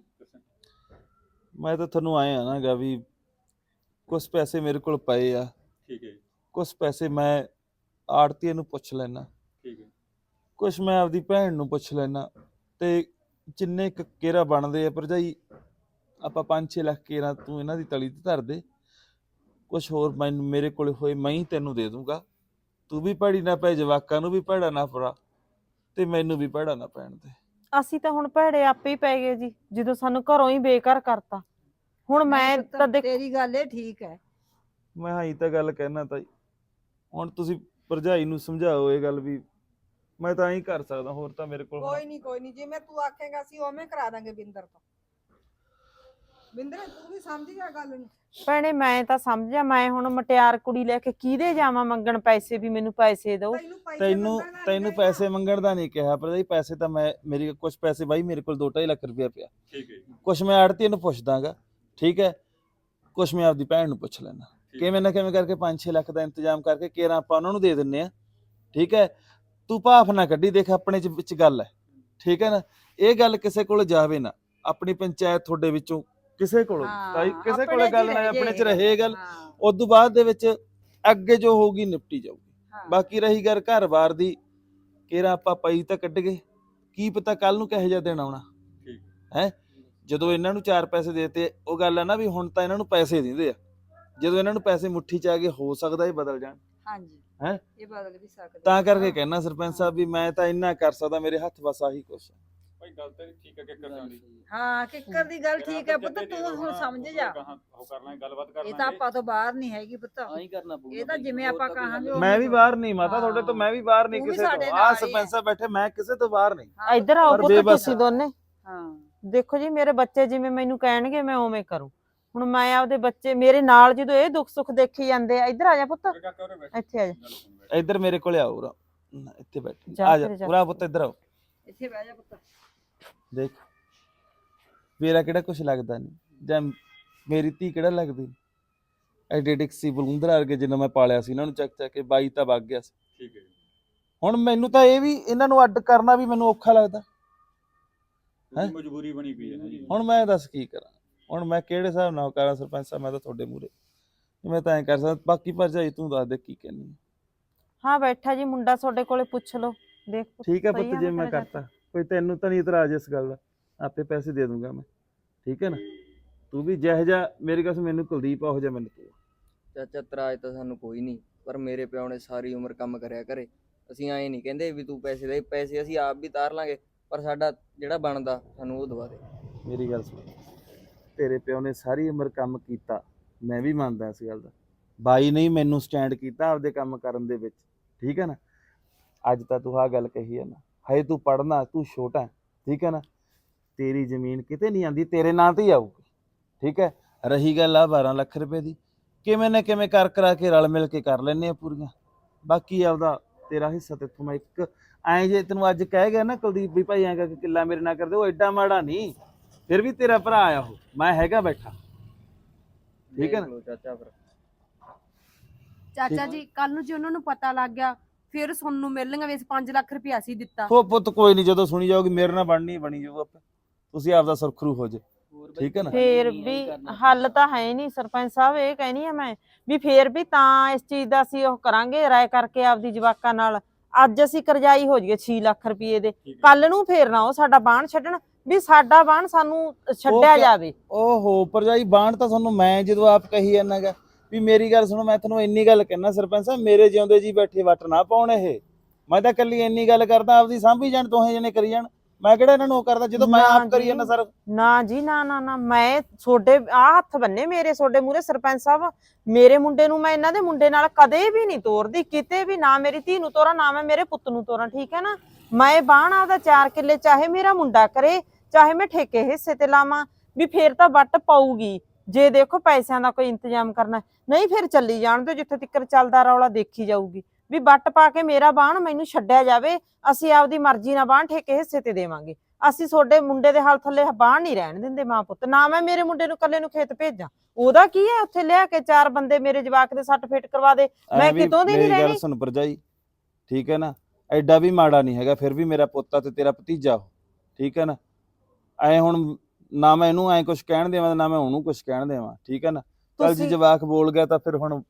Speaker 6: ਮੈਂ ਤਾਂ ਤੁਹਾਨੂੰ ਆਏ ਆ ਨਾ ਗਾ ਵੀ ਕੁਝ ਪੈਸੇ ਮੇਰੇ ਕੋਲ ਪਏ ਆ,
Speaker 2: ਠੀਕ ਹੈ ਜੀ,
Speaker 6: ਕੁਝ ਪੈਸੇ ਮੈਂ ਆੜਤੀਏ ਨੂੰ ਪੁੱਛ ਲੈਣਾ,
Speaker 2: ਠੀਕ ਹੈ।
Speaker 6: ਕੁਛ ਮੈਂ ਆਪਦੀ ਭੈਣ ਨੂੰ ਪੁੱਛ ਲੈਣਾ, ਤੇ ਜਿੰਨੇ ਕੁ ਕੇਰਾ ਬਣਦੇ ਆ ਭਰਜਾਈ ਆਪਾਂ ਪੰਜ ਛੇ ਲੱਖ ਕੇਰਾ ਤੂੰ ਇਹਨਾਂ ਦੀ ਤਲੀ ਤੇ ਧਰ ਦੇ। ਕੁਛ ਹੋਰ ਮੈਨੂੰ ਮੇਰੇ ਕੋਲ ਹੋਏ ਮੈਂ ਹੀ ਤੈਨੂੰ ਦੇ ਦੂੰਗਾ। ਤੂੰ ਵੀ ਭੈੜੀ ਨਾ ਪੈ, ਜਵਾਕਾਂ ਨੂੰ ਵੀ ਭੈੜਾ ਨਾ ਪਰਾ, ਤੇ ਮੈਨੂੰ ਵੀ ਭੈੜਾ ਨਾ ਪੈਣ ਦੇ।
Speaker 1: ਅਸੀਂ ਤਾਂ ਹੁਣ ਭੈੜੇ ਆਪੇ ਹੀ ਪੈ ਗਏ ਜੀ, ਜਦੋਂ ਸਾਨੂੰ ਘਰੋਂ ਹੀ ਬੇਘਰ ਕਰਤਾ। ਹੁਣ ਮੈਂ
Speaker 5: ਪੁੱਤ,
Speaker 1: ਤਾਂ ਦੇਖ
Speaker 5: ਤੇਰੀ ਗੱਲ ਇਹ ਠੀਕ ਹੈ।
Speaker 6: ਮੈਂ ਹਾਂ ਹੀ ਤਾਂ ਗੱਲ ਕਹਿਣਾ ਤਾਈ, ਹੁਣ ਤੁਸੀਂ ਭਰਜਾਈ ਨੂੰ ਸਮਝਾਓ ਇਹ ਗੱਲ ਵੀ ਮੈਂ ਤਾਂ ਐਂ ਕਰ ਸਕਦਾ, ਹੋਰ ਤਾਂ ਮੇਰੇ ਕੋਲ
Speaker 4: ਕੋਈ ਨਹੀਂ ਕੋਈ ਨਹੀਂ, ਜਿਵੇਂ ਤੂੰ ਆਖੇਗਾ ਅਸੀਂ ਉਵੇਂ ਕਰਾ ਦਾਂਗੇ ਬਿੰਦਰ ਤੋਂ। ਬਿੰਦਰ ਤੂੰ ਵੀ ਸਮਝ ਗਿਆ ਗੱਲ ਨੂੰ।
Speaker 1: ਭੈਣੇ ਮੈਂ ਤਾਂ ਸਮਝਿਆ, ਮੈਂ ਹੁਣ ਮਟਿਆਰ ਕੁੜੀ ਲੈ ਕੇ ਕਿਹਦੇ ਜਾਵਾਂ ਮੰਗਣ ਪੈਸੇ ਵੀ ਮੈਨੂੰ ਪੈਸੇ ਦਿਓ।
Speaker 4: ਤੈਨੂੰ ਪੈਸੇ
Speaker 6: ਤੈਨੂੰ
Speaker 4: ਮੰਗਣ ਦਾ ਨੀ
Speaker 6: ਤੈਨੂੰ
Speaker 4: ਚਾਹੀਦਾ।
Speaker 6: ਪੈਸੇ ਮੰਗਣ ਦਾ ਨਹੀਂ ਕਿਹਾ, ਪਰ ਇਹ ਪੈਸੇ ਤਾਂ ਮੈਂ ਮੇਰੀ ਕੁਝ ਪੈਸੇ ਬਾਈ ਮੇਰੇ ਕੋਲ ਦੋ ਢਾਈ ਲੱਖ ਰੁਪਇਆ ਪਿਆ,
Speaker 2: ਠੀਕ ਹੈ ਜੀ,
Speaker 6: ਕੁਛ ਮੈਂ ਆੜਤੀ ਨੂੰ ਪੁੱਛ ਦਾਂਗਾ, ਠੀਕ ਹੈ, ਕੁਛ ਮੈਂ ਆਪਦੀ ਭੈਣ ਨੂੰ ਪੁੱਛ ਲੈਣਾ, ਕਿਵੇਂ ਨਾ ਕਿਵੇਂ ਕਰਕੇ ਪੰਜ ਛੇ ਲੱਖ ਦਾ ਇੰਤਜ਼ਾਮ ਕਰਕੇ ਕੇਰਾਂ ਆਪਾਂ ਉਹਨਾਂ ਨੂੰ ਦੇ ਦਿੰਨੇ ਆ, ਠੀਕ ਹੈ। ਤੂੰ ਭਾਫ ਨਾ ਕੱਢੀ, ਦੇਖ ਆਪਣੇ ਚ ਵਿੱਚ ਗੱਲ ਹੈ, ਠੀਕ ਹੈ ਨਾ। ਇਹ ਗੱਲ ਕਿਸੇ ਕੋਲ ਜਾਵੇ ਨਾ, ਆਪਣੀ ਪੰਚਾਇਤ ਤੁਹਾਡੇ ਵਿੱਚੋਂ ਕਿਸੇ ਕੋਲ ਤਾਈ ਕਿਸੇ
Speaker 5: ਆਪਣੇ
Speaker 6: ਕੋਲੇ
Speaker 5: ਚ
Speaker 6: ਗੱਲ
Speaker 5: ਹੀ
Speaker 6: ਨਾ
Speaker 5: ਰਹਿ
Speaker 6: ਆਪਣੇ ਚ
Speaker 5: ਜੇ।
Speaker 6: ਰਹੇ ਗੱਲ,
Speaker 5: ਹਾਂ।
Speaker 6: ਉਸ ਤੋਂ ਬਾਅਦ ਦੇ ਵਿੱਚ ਅੱਗੇ ਜੋ ਹੋਊਗੀ ਨਿਪਟੀ ਜਾਊਗੀ,
Speaker 5: ਹਾਂ।
Speaker 6: ਬਾਕੀ ਰਹੀ ਗੱਲ ਘਰ-ਬਾਰ ਦੀ, ਕੇਰਾ ਆਪਾਂ ਪਈ ਤਾਂ ਕੱਢ ਗਏ, ਕੀ ਪਤਾ ਕੱਲ ਨੂੰ ਕਿਹੋ ਜਿਹਾ ਦਿਨ ਆਉਣਾ
Speaker 2: ਠੀਕ
Speaker 6: ਹੈ। ਜਦੋਂ ਇਹਨਾਂ ਨੂੰ ਚਾਰ ਪੈਸੇ ਦੇਤੇ, ਉਹ ਗੱਲ ਆ ਨਾ ਵੀ ਹੁਣ ਤਾਂ ਇਹਨਾਂ ਨੂੰ ਪੈਸੇ ਦਿੰਦੇ ਆ, ਜਦੋਂ ਇਹਨਾਂ ਨੂੰ ਪੈਸੇ ਮੁੱਠੀ ਚ ਆ ਗਏ ਹੋ ਸਕਦਾ ਇਹ ਬਦਲ ਜਾਣ।
Speaker 5: ਹਾਂਜੀ
Speaker 6: ਹੈਂ?
Speaker 5: ਇਹ ਬਦਲ ਵੀ ਸਕਦੇ
Speaker 6: ਤਾਂ
Speaker 5: ਆ।
Speaker 6: ਕਰਕੇ ਕਹਿਣਾ ਸਰਪੰਚ ਸਾਹਿਬ ਵੀ ਮੈਂ ਤਾਂ ਇੰਨਾ ਕਰ ਸਕਦਾ, ਮੇਰੇ ਹੱਥ ਬਸ ਆਹੀ ਕੁਛ ਆ।
Speaker 2: ਭਾਈ ਗੱਲ ਤਾਂ ਠੀਕ ਹੈ ਕਿ ਕਰਨ ਦੀ
Speaker 5: ਹਾਂ ਕਿੱਕਰ ਦੀ ਗੱਲ ਠੀਕ ਹੈ ਪੁੱਤ, ਤੂੰ ਹੁਣ ਸਮਝ ਜਾ।
Speaker 2: ਉਹ ਕਰ ਲਾਂਗੇ, ਗੱਲਬਾਤ ਕਰ
Speaker 5: ਇਹ ਤਾਂ ਆਪਾਂ ਤੋਂ ਬਾਹਰ ਨਹੀਂ ਹੈਗੀ ਪੁੱਤ,
Speaker 9: ਆਹੀ ਕਰਨਾ ਪਊਗਾ
Speaker 5: ਇਹ ਤਾਂ
Speaker 9: ਬਈ,
Speaker 5: ਜਿਵੇਂ
Speaker 9: ਹੋਰ
Speaker 5: ਆਪਾਂ
Speaker 9: ਤਾਂ ਕੋਈ
Speaker 5: ਕਹਾਂਗੇ
Speaker 9: ਹੱਲ
Speaker 5: ਉਹ-
Speaker 6: ਮੈਂ ਵੀ ਬਾਹਰ ਨਹੀਂ ਮਾਤਾ, ਤੁਹਾਡੇ ਤੋਂ ਮੈਂ ਵੀ ਬਾਹਰ ਨਹੀਂ
Speaker 5: ਤੂੰ ਵੀ
Speaker 6: ਕਿਸੇ
Speaker 5: ਸਾਡੇ
Speaker 6: ਤੋਂ।
Speaker 5: ਨਾਲ
Speaker 6: ਆਹ
Speaker 5: ਹੀ
Speaker 6: ਸਰਪੰਚ
Speaker 5: ਹੈ।
Speaker 6: ਸਾਹਿਬ ਬੈਠੇ, ਮੈਂ ਕਿਸੇ ਤੋਂ ਬਾਹਰ ਨਹੀਂ।
Speaker 5: ਹਾਂ,
Speaker 1: ਇੱਧਰ ਆਓ
Speaker 6: ਪਰ
Speaker 1: ਪੁੱਤ
Speaker 6: ਬੇਬਸ
Speaker 1: ਤੁਸੀਂ
Speaker 6: ਆ।
Speaker 1: ਦੋਨੇ।
Speaker 5: ਹਾਂ
Speaker 1: ਦੇਖੋ ਜੀ ਮੇਰੇ ਬੱਚੇ ਜਿਵੇਂ ਮੈਨੂੰ ਕਹਿਣਗੇ ਮੈਂ ਉਵੇਂ ਕਰੂੰ। ਹੁਣ ਮੈਂ ਆਪਦੇ ਬੱਚੇ ਮੇਰੇ ਨਾਲ ਜਦੋਂ ਇਹ ਦੁੱਖ ਸੁੱਖ ਦੇਖੀ ਜਾਂਦੇ ਆ, ਇੱਧਰ ਆ ਜਾ ਪੁੱਤ, ਇੱਥੇ ਆ ਜਾ।
Speaker 6: ਇੱਧਰ ਮੇਰੇ ਕੋਲੇ ਆਓ ਉਰਾ, ਇੱਥੇ ਬੈਠ
Speaker 1: ਜਾ
Speaker 6: ਆ ਜਾ
Speaker 1: ਫਿਰ ਜਾ।
Speaker 6: ਉਰਾ ਪੁੱਤ, ਇੱਧਰ ਆਓ।
Speaker 5: ਇੱਥੇ ਬਹਿ ਜਾ ਪੁੱਤ।
Speaker 6: ਦੇਖ ਮੇਰਾ ਕਿਹੜਾ ਕੁਛ ਲੱਗਦਾ ਨਹੀਂ, ਜਾਂ ਮੇਰੀ ਧੀ ਕਿਹੜਾ ਲੱਗਦੀ। ਐਡੇ ਸੀ ਬਲੁੰਦਰ ਵਰਗੇ ਜਿੰਨਾ ਮੈਂ ਪਾਲਿਆ ਸੀ, ਇਹਨਾਂ ਨੂੰ ਚੱਕ ਚੱਕ ਕੇ ਬਾਈ ਤਾਂ ਵਗ ਗਿਆ ਸੀ।
Speaker 2: ਠੀਕ ਹੈ ਜੀ।
Speaker 6: ਹੁਣ ਮੈਨੂੰ ਤਾਂ ਇਹ ਵੀ ਇਹਨਾਂ ਨੂੰ ਅੱਡ ਕਰਨਾ ਵੀ ਮੈਨੂੰ ਔਖਾ ਲੱਗਦਾ। ਹੈਂ?
Speaker 2: ਮਜਬੂਰੀ ਬਣੀ ਪਈ ਹੈ ਨਾ ਜੀ।
Speaker 6: ਹੁਣ ਮੈਂ ਦੱਸ ਕੀ ਕਰਾਂ, ਹੁਣ ਮੈਂ ਕਿਹੜੇ ਹਿਸਾਬ ਨਾਲ ਕਰਾਂ ਸਰਪੰਚ ਸਾਹਿਬ, ਮੈਂ ਤਾਂ ਤੁਹਾਡੇ ਮੂਹਰੇ ਮੈਂ ਤਾਂ ਐਂ ਕਰ ਸਕਦਾ। ਬਾਕੀ ਭਰਜਾਈ ਤੂੰ ਦੱਸ ਦੇ ਕੀ ਕਹਿੰਦੀ ਹੈ।
Speaker 1: ਹਾਂ ਬੈਠਾ ਜੀ ਮੁੰਡਾ, ਤੁਹਾਡੇ ਕੋਲੇ ਪੁੱਛ ਲਓ। ਦੇਖ ਪੁੱਤ,
Speaker 6: ਠੀਕ ਹੈ
Speaker 1: ਸਹੀ
Speaker 6: ਪੁੱਤ,
Speaker 1: ਆ
Speaker 6: ਜੇ
Speaker 1: ਨਾ
Speaker 6: ਮੈਂ
Speaker 1: ਤੇਰਾ
Speaker 6: ਕਰਤਾ ਕੋਈ ਤੈਨੂੰ ਤਾਂ ਨਹੀਂ ਇਤਰਾਜ਼ ਇਸ ਗੱਲ ਦਾ, ਆਪੇ ਪੈਸੇ ਦੇ ਦੂੰਗਾ ਮੈਂ, ਠੀਕ ਹੈ ਨਾ। ਤੂੰ ਵੀ ਜਿਹੋ ਜਿਹਾ ਮੇਰੀ ਕਸ ਮੈਨੂੰ ਕੁਲਦੀਪ ਉਹੋ ਜਿਹਾ ਮੈਨੂੰ ਤੂੰ।
Speaker 9: ਚਾਚਾ ਤਰਾਜ ਤਾਂ ਸਾਨੂੰ ਕੋਈ ਨਹੀਂ, ਪਰ ਮੇਰੇ ਪਿਓ ਨੇ ਸਾਰੀ ਉਮਰ ਕੰਮ ਕਰਿਆ ਘਰੇ। ਅਸੀਂ ਐਂ ਨਹੀਂ ਕਹਿੰਦੇ ਵੀ ਤੂੰ ਪੈਸੇ ਦੇ, ਪੈਸੇ ਅਸੀਂ ਆਪ ਵੀ ਤਾਰ ਲਾਂਗੇ, ਪਰ ਸਾਡਾ ਜਿਹੜਾ ਬਣਦਾ ਸਾਨੂੰ ਉਹ ਦਵਾ ਦੇ।
Speaker 6: ਮੇਰੀ ਗੱਲ ਸੁਣ, ਤੇਰੇ ਪਿਓ ਨੇ ਸਾਰੀ ਉਮਰ ਕੰਮ ਕੀਤਾ, ਮੈਂ ਵੀ ਮੰਨਦਾ ਇਸ ਗੱਲ ਦਾ। ਬਾਈ ਨੇ ਮੈਨੂੰ ਸਟੈਂਡ ਕੀਤਾ ਆਪਦੇ ਕੰਮ ਕਰਨ ਦੇ ਵਿੱਚ, ਠੀਕ ਹੈ ਨਾ। ਅੱਜ ਤਾਂ ਤੂੰ ਆਹ ਗੱਲ ਕਹੀ ਹੈ ਨਾ, ਹਜੇ ਤੂੰ ਪੜ੍ਹਨਾ, ਤੂੰ ਛੋਟਾ, ਠੀਕ ਹੈ ਨਾ। ਤੇਰੀ ਜ਼ਮੀਨ ਕਿਤੇ ਨਹੀਂ ਆਉਂਦੀ, ਤੇਰੇ ਨਾਂ ਤੇ ਹੀ ਆਊਗੀ, ਠੀਕ ਹੈ। ਰਹੀ ਗੱਲ ਆ ਬਾਰਾਂ ਲੱਖ ਰੁਪਏ ਦੀ, ਕਿਵੇਂ ਨਾ ਕਿਵੇਂ ਕਰ ਕਰਾ ਕੇ ਰਲ ਮਿਲ ਕੇ ਕਰ ਲੈਂਦੇ ਆ ਪੂਰੀਆਂ। ਬਾਕੀ ਆਪਦਾ ਤੇਰਾ ਹਿੱਸਾ ਤੇਥੋਂ ਮੈਂ ਇੱਕ ਐਂ ਜੇ ਤੈਨੂੰ ਅੱਜ ਕਹਿ ਗਿਆ ਨਾ ਕੁਲਦੀਪ ਵੀ ਭਾਈ ਐਂ ਕਰਕੇ ਕਿੱਲਾ ਮੇਰੇ ਨਾਲ ਕਰਦੇ, ਉਹ ਐਡਾ ਮਾੜਾ ਨਹੀਂ, ਫਿਰ ਵੀ ਤੇਰਾ ਭਰਾ ਆ ਉਹ, ਮੈਂ ਹੈਗਾ ਬੈਠਾ, ਠੀਕ ਹੈ ਨਾ।
Speaker 9: ਚਾਚਾ ਫਿਰ
Speaker 10: ਚਾਚਾ ਜੀ ਕੱਲ ਨੂੰ ਜੇ ਉਹਨਾਂ ਨੂੰ ਪਤਾ ਲੱਗ ਗਿਆ ਫਿਰ ਸੁਣਨ ਨੂੰ ਮਿਲਣਗੇ ਵੀ ਪੰਜ ਲੱਖ ਰੁਪਇਆ ਅਸੀਂ ਦਿੱਤਾ।
Speaker 6: ਉਹ ਪੁੱਤ ਕੋਈ ਨਹੀਂ, ਜਦੋਂ ਸੁਣੀ ਜਾਊਗੀ ਮੇਰੇ ਨਾਲ ਬਣਨੀ ਬਣੀ ਜਾਊ ਆਪੇ, ਤੁਸੀਂ ਆਪਦਾ ਸੁਰਖਰੂ ਹੋ ਜੇ, ਠੀਕ ਹੈ ਨਾ।
Speaker 1: ਫੇਰ ਵੀ ਹੱਲ ਤਾਂ ਹੈ ਨਹੀਂ ਸਰਪੰਚ ਸਾਹਿਬ, ਇਹ ਕਹਿਣੀ ਆ ਮੈਂ ਵੀ ਫੇਰ ਵੀ ਤਾਂ ਇਸ ਚੀਜ਼ ਦਾ ਅਸੀਂ ਉਹ ਕਰਾਂਗੇ ਰਾਏ ਕਰਕੇ ਆਪਦੀ ਜਵਾਕਾਂ ਨਾਲ। ਅੱਜ ਅਸੀਂ ਕਰਜ਼ਾਈ ਹੋ ਜਾਈਏ ਛੇ ਲੱਖ ਰੁਪਏ ਦੇ, ਕੱਲ ਨੂੰ ਫੇਰ ਨਾ ਉਹ ਸਾਡਾ ਬਾਣ ਛੱਡਣ, ਵੀ ਸਾਡਾ ਬਾਣ ਸਾਨੂੰ ਛੱਡਿਆ ਜਾਵੇ।
Speaker 6: ਓਹੋ ਭਰਜਾਈ, ਬਾਣ ਤਾਂ ਤੁਹਾਨੂੰ ਮੈਂ ਜਦੋਂ ਆਪ ਕਹੀ ਜਾਂਦਾ ਗਾ ਵੀ ਮੇਰੀ ਗੱਲ ਸੁਣੋ, ਮੈਂ ਤੁਹਾਨੂੰ ਇੰਨੀ ਗੱਲ ਕਹਿਣਾ ਸਰਪੰਚ ਸਾਹਿਬ, ਮੇਰੇ ਜਿਉਂਦੇ ਜੀ ਬੈਠੇ ਵੱਟ ਨਾ ਪਾਉਣ ਇਹ। ਮੈਂ ਤਾਂ ਕੱਲੀ ਇੰਨੀ ਗੱਲ ਕਰਦਾ, ਆਪਦੀ ਸਾਂਭੀ ਜਾਣ, ਦੋਹੇ ਜਣੇ ਕਰੀ ਜਾਣ, ਮੈਂ ਕਿਹੜਾ ਇਹਨਾਂ ਨੂੰ ਉਹ ਕਰਦਾ ਜਦੋਂ ਮੈਂ ਆਪ ਕਰੀ ਜਾਂਦਾ ਸਰ।
Speaker 1: ਨਾ ਜੀ ਨਾ ਨਾ ਨਾ, ਮੈਂ ਤੁਹਾਡੇ ਆ ਹੱਥ ਬੰਨੇ ਮੇਰੇ ਤੁਹਾਡੇ ਮੂਹਰੇ ਸਰਪੰਚ ਸਾਹਿਬ। ਮੇਰੇ ਮੁੰਡੇ ਨੂੰ ਮੈਂ ਇਹਨਾਂ ਦੇ ਮੁੰਡੇ ਨਾਲ ਕਦੇ ਵੀ ਨਹੀਂ ਤੋਰਦੀ, ਕਿਤੇ ਵੀ ਨਾ। ਮੇਰੀ ਧੀ ਨੂੰ ਤੋਰਾਂ ਨਾ ਮੈਂ ਮੇਰੇ ਪੁੱਤ ਨੂੰ ਤੋਰਾਂ, ਠੀਕ ਹੈ ਨਾ। ਮੈਂ ਬਾਣ ਆਪਦਾ ਚਾਰ ਕਿੱਲੇ ਚਾਹੇ ਮੇਰਾ ਮੁੰਡਾ ਕਰੇ, ਚਾਹੇ ਮੈਂ ਠੇਕੇ ਹਿੱਸੇ ਤੇ ਲਾਵਾਂ, ਵੀ ਫੇਰ ਤਾਂ ਵੱਟ ਪਾਊਗੀ। ਜੇ ਦੇਖੋ ਪੈਸਿਆਂ ਦਾ ਕੋਈ ਇੰਤਜ਼ਾਮ ਕਰਨਾ, ਨਹੀਂ ਫਿਰ ਚੱਲੀ ਜਾਣ ਦਿਓ, ਜਿੱਥੇ ਤੱਕ ਚੱਲਦਾ ਰੌਲਾ ਦੇਖੀ ਜਾਊਗੀ। ਵੀ ਵੱਟ ਪਾ ਕੇ ਮੇਰਾ ਬਾਣ ਮੈਨੂੰ ਛੱਡਿਆ ਜਾਵੇ, ਅਸੀਂ ਆਪਦੀ ਮਰਜ਼ੀ ਨਾਲ ਬਾਣ ਠੇਕੇ ਹਿੱਸੇ ਤੇ ਦੇਵਾਂਗੇ। ਅਸੀਂ ਤੁਹਾਡੇ ਮੁੰਡੇ ਦੇ ਹਾਲ ਥੱਲੇ ਬਾਣ ਨਹੀਂ ਰਹਿਣ ਦਿੰਦੇ ਮਾਂ ਪੁੱਤ। ਨਾ ਮੈਂ ਮੇਰੇ ਮੁੰਡੇ ਨੂੰ ਇਕੱਲੇ ਨੂੰ ਖੇਤ ਭੇਜਾਂ, ਉਹਦਾ ਕੀ ਹੈ ਉੱਥੇ ਲਿਆ ਕੇ ਚਾਰ ਬੰਦੇ ਮੇਰੇ ਜਵਾਕ ਦੇ ਸੱਟ ਫੇਟ ਕਰਵਾ ਦੇ, ਮੈਂ ਕਿਤੋਂ ਦੀ ਨਹੀਂ
Speaker 6: ਮੇਰੀ ਗੱਲ
Speaker 1: ਰਹਿਣੀ।
Speaker 6: ਸੁਣ ਭਰਜਾਈ, ਠੀਕ ਹੈ ਨਾ, ਐਡਾ ਵੀ ਮਾੜਾ ਨਹੀਂ ਹੈਗਾ, ਫਿਰ ਵੀ ਮੇਰਾ ਪੁੱਤ ਆ ਤੇ ਤੇਰਾ ਭਤੀਜਾ ਉਹ, ਠੀਕ ਹੈ ਨਾ। ਐ ਹੁਣ ਨਾ ਮੈਂ ਇਹਨੂੰ ਐ ਕੁਝ ਕਹਿਣ ਦੇਵਾਂ, ਨਾ ਮੈਂ ਉਹਨੂੰ ਕੁਝ ਕਹਿਣ ਦੇਵਾਂ, ਠੀਕ ਹੈ ਨਾ। ਚੱਲ ਜੀ ਜਵਾਕ ਬੋਲ ਗਿਆ ਤਾਂ ਫਿਰ ਹੁਣ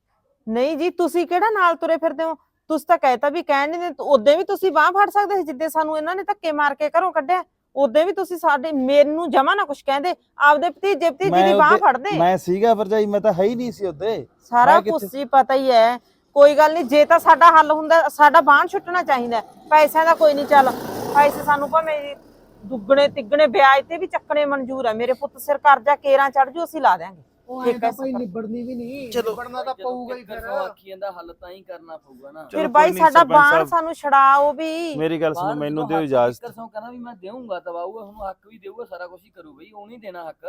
Speaker 1: ਨਹੀਂ ਜੀ, ਤੁਸੀਂ ਕਿਹੜਾ ਨਾਲ ਤੁਰੇ ਫਿਰਦੇ ਹੋ? ਤੁਸੀਂ ਤਾਂ ਕਹਿਤਾ ਵੀ ਕਹਿਣ ਨਹੀਂ ਦਿੰਦੇ, ਉਦੋਂ ਵੀ ਤੁਸੀਂ ਬਾਹ ਫੜ ਸਕਦੇ ਸੀ ਜਿੱਦੇ ਸਾਨੂੰ ਇਹਨਾਂ ਨੇ ਧੱਕੇ ਮਾਰ ਕੇ ਘਰੋਂ ਕੱਢਿਆ। ਉਦੋਂ ਵੀ ਤੁਸੀਂ ਸਾਡੇ ਮੈਨੂੰ ਜਮਾ ਨਾ ਕੁਝ ਕਹਿੰਦੇ, ਆਪਦੇ ਭਤੀਜੇ ਭਤੀਜੀ ਦੀ ਬਾਹ ਫੜਦੇ।
Speaker 6: ਮੈਂ ਸੀਗਾ ਭਰਜਾਈ, ਮੈਂ ਤਾਂ ਹੈ ਹੀ ਨਹੀਂ ਸੀ ਉੱਤੇ,
Speaker 1: ਸਾਰਾ ਕੁਝ ਜੀ ਪਤਾ ਹੀ ਹੈ। ਕੋਈ ਗੱਲ ਨਹੀਂ, ਜੇ ਤਾਂ ਸਾਡਾ ਹੱਲ ਹੁੰਦਾ, ਸਾਡਾ ਬਾਣ ਛੁੱਟਣਾ ਚਾਹੀਦਾ। ਪੈਸਿਆਂ ਦਾ ਕੋਈ ਨਹੀਂ, ਚੱਲ ਪੈਸੇ ਸਾਨੂੰ ਭਾਵੇਂ ਦੁੱਗਣੇ ਤਿੱਗਣੇ ਵਿਆਜ ਤੇ ਵੀ ਚੱਕਣੇ ਮਨਜ਼ੂਰ ਹੈ। ਮੇਰੇ ਪੁੱਤ ਸਿਰ ਕਰਜ਼ਾ ਕੇਰਾਂ ਚੜ ਜੂ, ਅਸੀਂ ਲਾ ਦਿਆਂਗੇ।
Speaker 3: ਉਹ ਐ ਤਾਂ ਭਾਈ ਨਿਬੜਨੀ ਵੀ ਨਹੀਂ, ਨਿਬੜਨਾ ਤਾਂ ਪਊਗਾ ਹੀ ਫਿਰ।
Speaker 9: ਆਖੀ ਜਾਂਦਾ ਹੱਲ ਤਾਂ ਹੀ ਕਰਨਾ ਪਊਗਾ ਨਾ।
Speaker 1: ਫਿਰ ਬਾਈ ਸਾਡਾ ਬਾਣ ਸਾਨੂੰ ਛੜਾਓ ਵੀ।
Speaker 6: ਮੇਰੀ ਗੱਲ ਸੁਣੋ, ਮੈਨੂੰ ਦਿਓ ਇਜਾਜ਼ਤ।
Speaker 9: ਕਿਰਸੋਂ ਕਹਿੰਦਾ ਵੀ ਮੈਂ ਦੇਵਾਂਗਾ, ਦਵਾਊਗਾ, ਤੁਹਾਨੂੰ ਹੱਕ ਵੀ ਦੇਊਗਾ, ਸਾਰਾ ਕੁਝ ਹੀ ਕਰੂ ਬਈ, ਉਹ ਨਹੀਂ ਦੇਣਾ ਹੱਕ,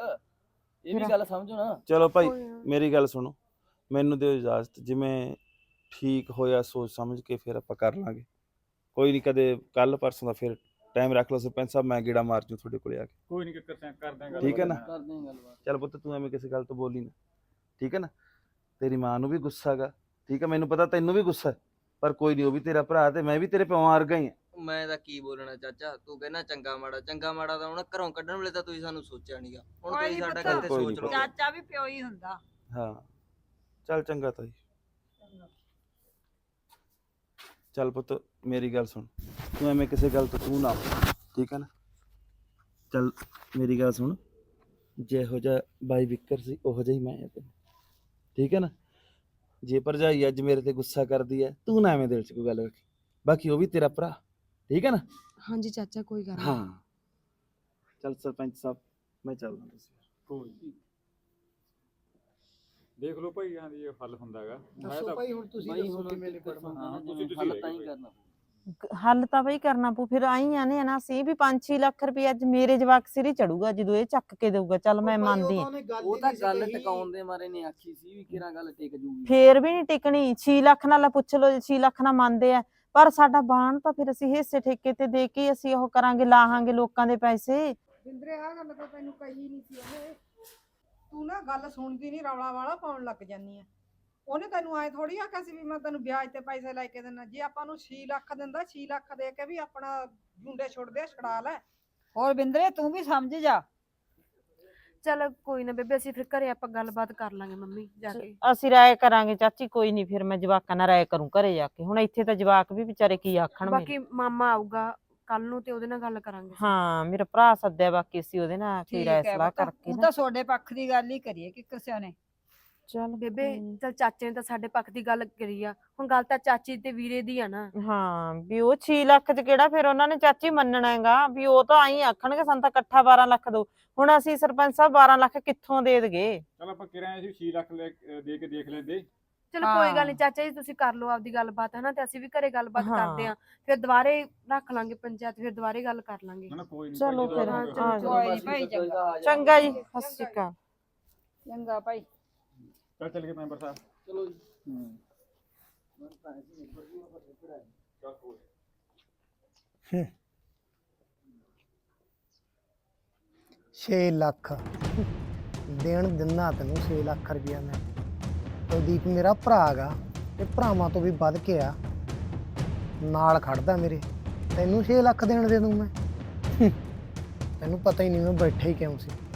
Speaker 9: ਇਹ ਵੀ ਗੱਲ ਸਮਝੋ ਨਾ।
Speaker 6: ਚਲੋ ਭਾਈ ਮੇਰੀ ਗੱਲ ਸੁਣੋ, ਮੈਨੂੰ ਦਿਓ ਇਜਾਜ਼ਤ, ਜਿਵੇਂ ਠੀਕ ਹੋਇਆ ਸੋਚ ਸਮਝ ਕੇ ਫਿਰ ਆਪਾਂ ਕਰ ਲਾਂਗੇ। ਕੋਈ ਨਹੀਂ, ਕਦੇ ਕੱਲ ਪਰਸੋਂ ਦਾ ਫਿਰ ਟਾਈਮ ਰੱਖ ਲਓ ਸਰਪੰਚ ਸਾਹਿਬ, ਮੈਂ ਗੇੜਾ ਮਾਰ ਜੂ ਤੁਹਾਡੇ ਕੋਲੇ ਆ ਕੇ।
Speaker 2: ਕੋਈ ਨਹੀਂ ਕਿੱਕਰ ਸਿਆਂ ਕਰਦੇ ਆਂ ਗੱਲ,
Speaker 6: ਠੀਕ ਹੈ ਨਾ।
Speaker 9: ਕਰਦੇ ਆਂ ਗੱਲਬਾਤ।
Speaker 6: ਚੱਲ ਪੁੱਤ ਤੂੰ ਐਵੇਂ ਕਿਸੇ ਗੱਲ ਤੋਂ ਬੋਲੀ ਨਾ, ਠੀਕ ਹੈ ਨਾ। ਤੇਰੀ ਮਾਂ ਨੂੰ ਵੀ ਗੁੱਸਾ ਹੈਗਾ, ਠੀਕ ਹੈ, ਮੈਨੂੰ ਪਤਾ ਤੈਨੂੰ ਵੀ ਗੁੱਸਾ, ਪਰ ਕੋਈ ਨਹੀਂ, ਉਹ ਵੀ ਤੇਰਾ ਭਰਾ ਤੇ ਮੈਂ ਵੀ ਤੇਰੇ ਪਿਓ ਵਰਗਾ ਹੀ ਆ।
Speaker 9: ਮੈਂ ਤਾਂ ਕੀ ਬੋਲਣਾ ਚਾਚਾ, ਤੂੰ ਕਹਿੰਦਾ ਚੰਗਾ ਮਾੜਾ, ਚੰਗਾ ਮਾੜਾ ਤਾਂ ਹੁਣ ਘਰੋਂ ਕੱਢਣ ਵੇਲੇ ਤਾਂ ਤੁਸੀਂ ਸਾਨੂੰ ਸੋਚਿਆ ਨਹੀਂਗਾ, ਹੁਣ
Speaker 5: ਕੋਈ
Speaker 9: ਤੁਸੀਂ
Speaker 5: ਨੀ
Speaker 9: ਸਾਡਾ
Speaker 5: ਪੁੱਤ,
Speaker 9: ਗੱਲ ਤੇ
Speaker 6: ਕੋਈ
Speaker 9: ਸੋਚ
Speaker 6: ਨੀ
Speaker 9: ਲਓ।
Speaker 5: ਚਾਚਾ ਵੀ ਪਿਓ ਹੀ ਹੁੰਦਾ।
Speaker 6: ਹਾਂ ਚੱਲ ਚੰਗਾ ਤਾਈ। ਚੱਲ ਪੁੱਤ ਮੇਰੀ ਗੱਲ ਸੁਣ, ਤੂੰ ਐਵੇਂ ਕਿਸੇ ਗੱਲ ਤੋਂ ਤੂੰ ਨਾ ਹੋ, ਠੀਕ ਹੈ ਨਾ। ਚੱਲ ਮੇਰੀ ਗੱਲ ਸੁਣ, ਜਿਹੋ ਜਿਹਾ ਬਾਈ ਵਿਕਰ ਸੀ ਉਹੋ ਜਿਹਾ ਹੀ ਮੈਂ ਆ ਤੈਨੂੰ, ਠੀਕ ਹੈ ਨਾ। ਜੇ ਭਰਜਾਈ ਅੱਜ ਮੇਰੇ ਤੇ ਗੁੱਸਾ ਕਰਦੀ ਹੈ, ਤੂੰ ਨਾ ਐਵੇਂ ਦਿਲ 'ਚ ਕੋਈ ਗੱਲ ਰੱਖੀ, ਬਾਕੀ ਉਹ ਵੀ ਤੇਰਾ ਭਰਾ, ਠੀਕ ਹੈ ਨਾ।
Speaker 10: ਹਾਂਜੀ ਚਾਚਾ ਕੋਈ ਗੱਲ
Speaker 6: ਹਾਂ ਚੱਲ ਸਰਪੰਚ ਸਾਹਿਬ ਮੈਂ ਚੱਲਦਾ, ਤੁਸੀਂ
Speaker 2: ਕੋਈ ਨੀ। ਦੇਖ ਲਓ ਭਾਈ ਹਾਂ ਜੀ ਇਹ ਹੱਲ ਹੁੰਦਾ ਹੈਗਾ ਮੈਂ
Speaker 3: ਦੱਸੋ
Speaker 2: ਤਾਂ
Speaker 3: ਭਾਈ ਹੁਣ ਤੁਸੀਂ ਦੱਸੋ ਕਿਵੇਂ ਨਿਬੜਨਾ।
Speaker 2: ਹਾਂ ਤੁਸੀਂ ਤੁਸੀਂ ਲੈ ਲਓ ਭਾਈ।
Speaker 1: ਗ- ਹੱਲ ਤਾਂ ਬਈ ਕਰਨਾ ਪਊ, ਫਿਰ ਆਈ ਆ ਨੇ ਨਾ ਸੀ ਵੀ ਪੰਜ ਛੇ ਲੱਖ ਰੁਪਏ ਅੱਜ ਮੇਰੇ ਜਵਾਕ ਸਿਰ ਹੀ ਚੜੂਗਾ ਜਦੋਂ ਇਹ ਚੱਕ ਕੇ ਦੇਊਗਾ। ਚੱਲ ਮੈਂ ਮੰਨਦੀ ਆ,
Speaker 3: ਉਹ ਤਾਂ ਗੱਲ ਟਿਕਾਉਣ ਦੇ ਮਾਰੇ ਨੇ ਆਖੀ ਸੀ ਵੀ ਕਿਹੜਾ ਗੱਲ ਟਿਕ ਜੂਗੀ।
Speaker 1: ਫੇਰ ਵੀ ਨਹੀਂ ਟਿਕਣੀ। ਛੇ ਲੱਖ ਨਾਲ ਪੁੱਛ ਲਓ, ਛੇ ਲੱਖ ਨਾਲ ਮੰਨਦੇ ਆ, ਪਰ ਸਾਡਾ ਬਾਣ ਤਾਂ ਫਿਰ ਅਸੀਂ ਹਿੱਸੇ ਠੇਕੇ ਤੇ ਦੇ ਕੇ ਅਸੀਂ ਉਹ ਕਰਾਂਗੇ, ਲਾਹਾਂਗੇ ਲੋਕਾਂ ਦੇ ਪੈਸੇ।
Speaker 4: ਬਿੰਦਰੇ ਆ ਗੱਲ ਤਾਂ ਤੈਨੂੰ ਕਹੀ ਨਹੀਂ ਸੀ ਉਹਨੇ, ਤੂੰ ਨਾ ਗੱਲ ਸੁਣਦੀ ਨਹੀਂ, ਰੌਲਾ ਵਾਲਾ ਪਾਉਣ ਲੱਗ ਜਾਨੀ ਆ। ਉਹਨੇ ਤੈਨੂੰ ਐ ਥੋੜੀ ਆਖਿਆ ਸੀ ਵੀ ਮੈਂ ਤੈਨੂੰ ਵਿਆਜ ਤੇ ਪੈਸੇ ਲੈ ਕੇ ਦੇਣਾ। ਜੇ ਆਪਾਂ ਨੂੰ ਛੇ ਲੱਖ ਦਿੰਦਾ, ਛੇ ਲੱਖ ਦੇ ਕੇ ਵੀ ਆਪਣਾ ਜੁੰਡੇ ਛੁੱਟਦੇ ਛੁਡਾ ਲੈ।
Speaker 5: ਹੋਰ ਬਿੰਦਰੇ ਤੂੰ ਵੀ ਸਮਝ ਜਾ।
Speaker 10: ਚਲ ਕੋਈ ਨਾ ਬੇਬੇ, ਅਸੀਂ ਫਿਰ ਘਰੇ ਆਪਾਂ ਗੱਲਬਾਤ ਕਰ ਲਾਂਗੇ ਮੰਮੀ ਜਾ ਕੇ।
Speaker 1: ਅਸੀਂ ਰਾਏ ਕਰਾਂਗੇ ਚਾਚੀ, ਕੋਈ ਨਹੀਂ, ਫਿਰ ਮੈਂ ਜਵਾਕਾਂ ਨਾਲ ਰਾਏ ਕਰੂੰ ਘਰੇ ਜਾ ਕੇ। ਹੁਣ ਇੱਥੇ ਤਾਂ ਜਵਾਕ ਵੀ ਵਿਚਾਰੇ ਕੀ ਆਖਣ ਮੇਰੇ।
Speaker 10: ਬਾਕੀ ਮਾਮਾ ਆਊਗਾ ਕੱਲ ਨੂੰ ਤੇ ਉਹਦੇ ਨਾਲ ਗੱਲ ਕਰਾਂਗੇ।
Speaker 1: ਹਾਂ ਮੇਰਾ ਭਰਾ ਸੱਦਿਆ, ਬਾਕੀ ਅਸੀਂ ਉਹਦੇ ਨਾਲ ਕੋਈ
Speaker 5: ਠੀਕ
Speaker 1: ਰਾਏ
Speaker 5: ਹੈ
Speaker 1: ਸਲਾਹ
Speaker 5: ਪੁੱਤ,
Speaker 1: ਕਰਕੇ
Speaker 5: ਹੁਣ
Speaker 1: ਨਾ।
Speaker 5: ਤਾਂ ਤੁਹਾਡੇ ਪੱਖ ਦੀ ਗੱਲ ਹੀ ਕਰੀਏ ਕਿ ਕਿਸੇ ਨੇ।
Speaker 1: ਚੱਲ
Speaker 10: ਬੇਬੇ
Speaker 1: ਹਮ,
Speaker 10: ਚਲ ਚਾਚੇ ਨੇ ਤਾਂ ਸਾਡੇ ਪੱਖ ਦੀ ਗੱਲ ਕਰੀ ਆ, ਹੁਣ ਗੱਲ ਤਾਂ ਚਾਚੀ ਤੇ ਵੀਰੇ ਦੀ ਆ ਨਾ।
Speaker 1: ਹਾਂ ਵੀ ਉਹ ਛੇ ਲੱਖ ਚ ਕਿਹੜਾ ਫਿਰ ਉਹਨਾਂ ਨੇ ਚਾਚੀ ਮੰਨਣਾ ਹੈਗਾ ਵੀ, ਉਹ ਤਾਂ ਆਈ ਆਖਣਗੇ ਸਾਨੂੰ ਤਾਂ ਇਕੱਠਾ ਬਾਰਾਂ ਲੱਖ ਦੋ। ਹੁਣ ਅਸੀਂ ਸਰਪੰਚ ਸਾਹਿਬ ਬਾਰਾਂ ਲੱਖ ਕਿੱਥੋਂ ਦੇ ਦਗੇ?
Speaker 2: ਚਲ ਆਪਾਂ ਕਿਰਾਏ ਸੀ ਛੇ ਲੱਖ ਲੈ ਕੇ- ਦੇ ਕੇ ਦੇਖ ਲੈਂਦੇ।
Speaker 10: ਚਲੋ ਕੋਈ ਗੱਲ
Speaker 5: ਹਾਂ।
Speaker 10: ਨਹੀਂ ਚਾਚਾ ਜੀ, ਤੁਸੀਂ ਕਰ ਲਓ ਆਪਦੀ ਗੱਲਬਾਤ ਹਨਾ, ਤੇ ਅਸੀਂ ਵੀ ਘਰੇ ਗੱਲਬਾਤ
Speaker 1: ਹਾਂ।
Speaker 10: ਕਰਦੇ ਆਂ। ਫਿਰ ਦੁਬਾਰੇ ਰੱਖ ਲਾਂਗੇ ਪੰਚਾਇਤ, ਫਿਰ ਦੁਬਾਰੇ ਗੱਲ ਕਰ ਲਾਂਗੇ।
Speaker 2: ਨਾ ਨਾ ਕੋਈ ਨਹੀਂ
Speaker 1: ਚਲੋ ਫਿਰ,
Speaker 10: ਹਾਂ,
Speaker 1: ਆ
Speaker 10: ਚਲੋ,
Speaker 1: ਜਾਓ।
Speaker 5: ਕੋਈ ਨੀ ਭਾਈ, ਚੰਗਾ
Speaker 1: ਚੰਗਾ ਜੀ, ਸਤਿ ਸ਼੍ਰੀ ਅਕਾਲ।
Speaker 5: ਚੰਗਾ ਭਾਈ।
Speaker 2: ਚੱਲ ਚੱਲ ਗਏ ਮੈਂਬਰ ਸਾਹਿਬ।
Speaker 3: ਚਲੋ ਜੀ।
Speaker 2: ਹੂੰ ਚੱਲ ਕੋਈ
Speaker 3: ਛੇ ਲੱਖ ਦੇਣ ਦਿੰਦਾ ਤੈਨੂੰ, ਛੇ ਲੱਖ ਰੁਪਇਆ ਮੈਂ। ਕੁਲਦੀਪ ਮੇਰਾ ਭਰਾ ਹੈਗਾ ਤੇ ਭਰਾਵਾਂ ਤੋਂ ਵੀ ਵੱਧ ਕੇ ਆ, ਨਾਲ ਖੜਦਾ ਮੇਰੇ। ਤੈਨੂੰ ਛੇ ਲੱਖ ਦੇਣ ਦੇ ਦੂੰ ਮੈਂ? ਤੈਨੂੰ ਪਤਾ ਹੀ ਨਹੀਂ ਮੈਂ ਬੈਠਾ ਹੀ ਕਿਉਂ ਸੀ।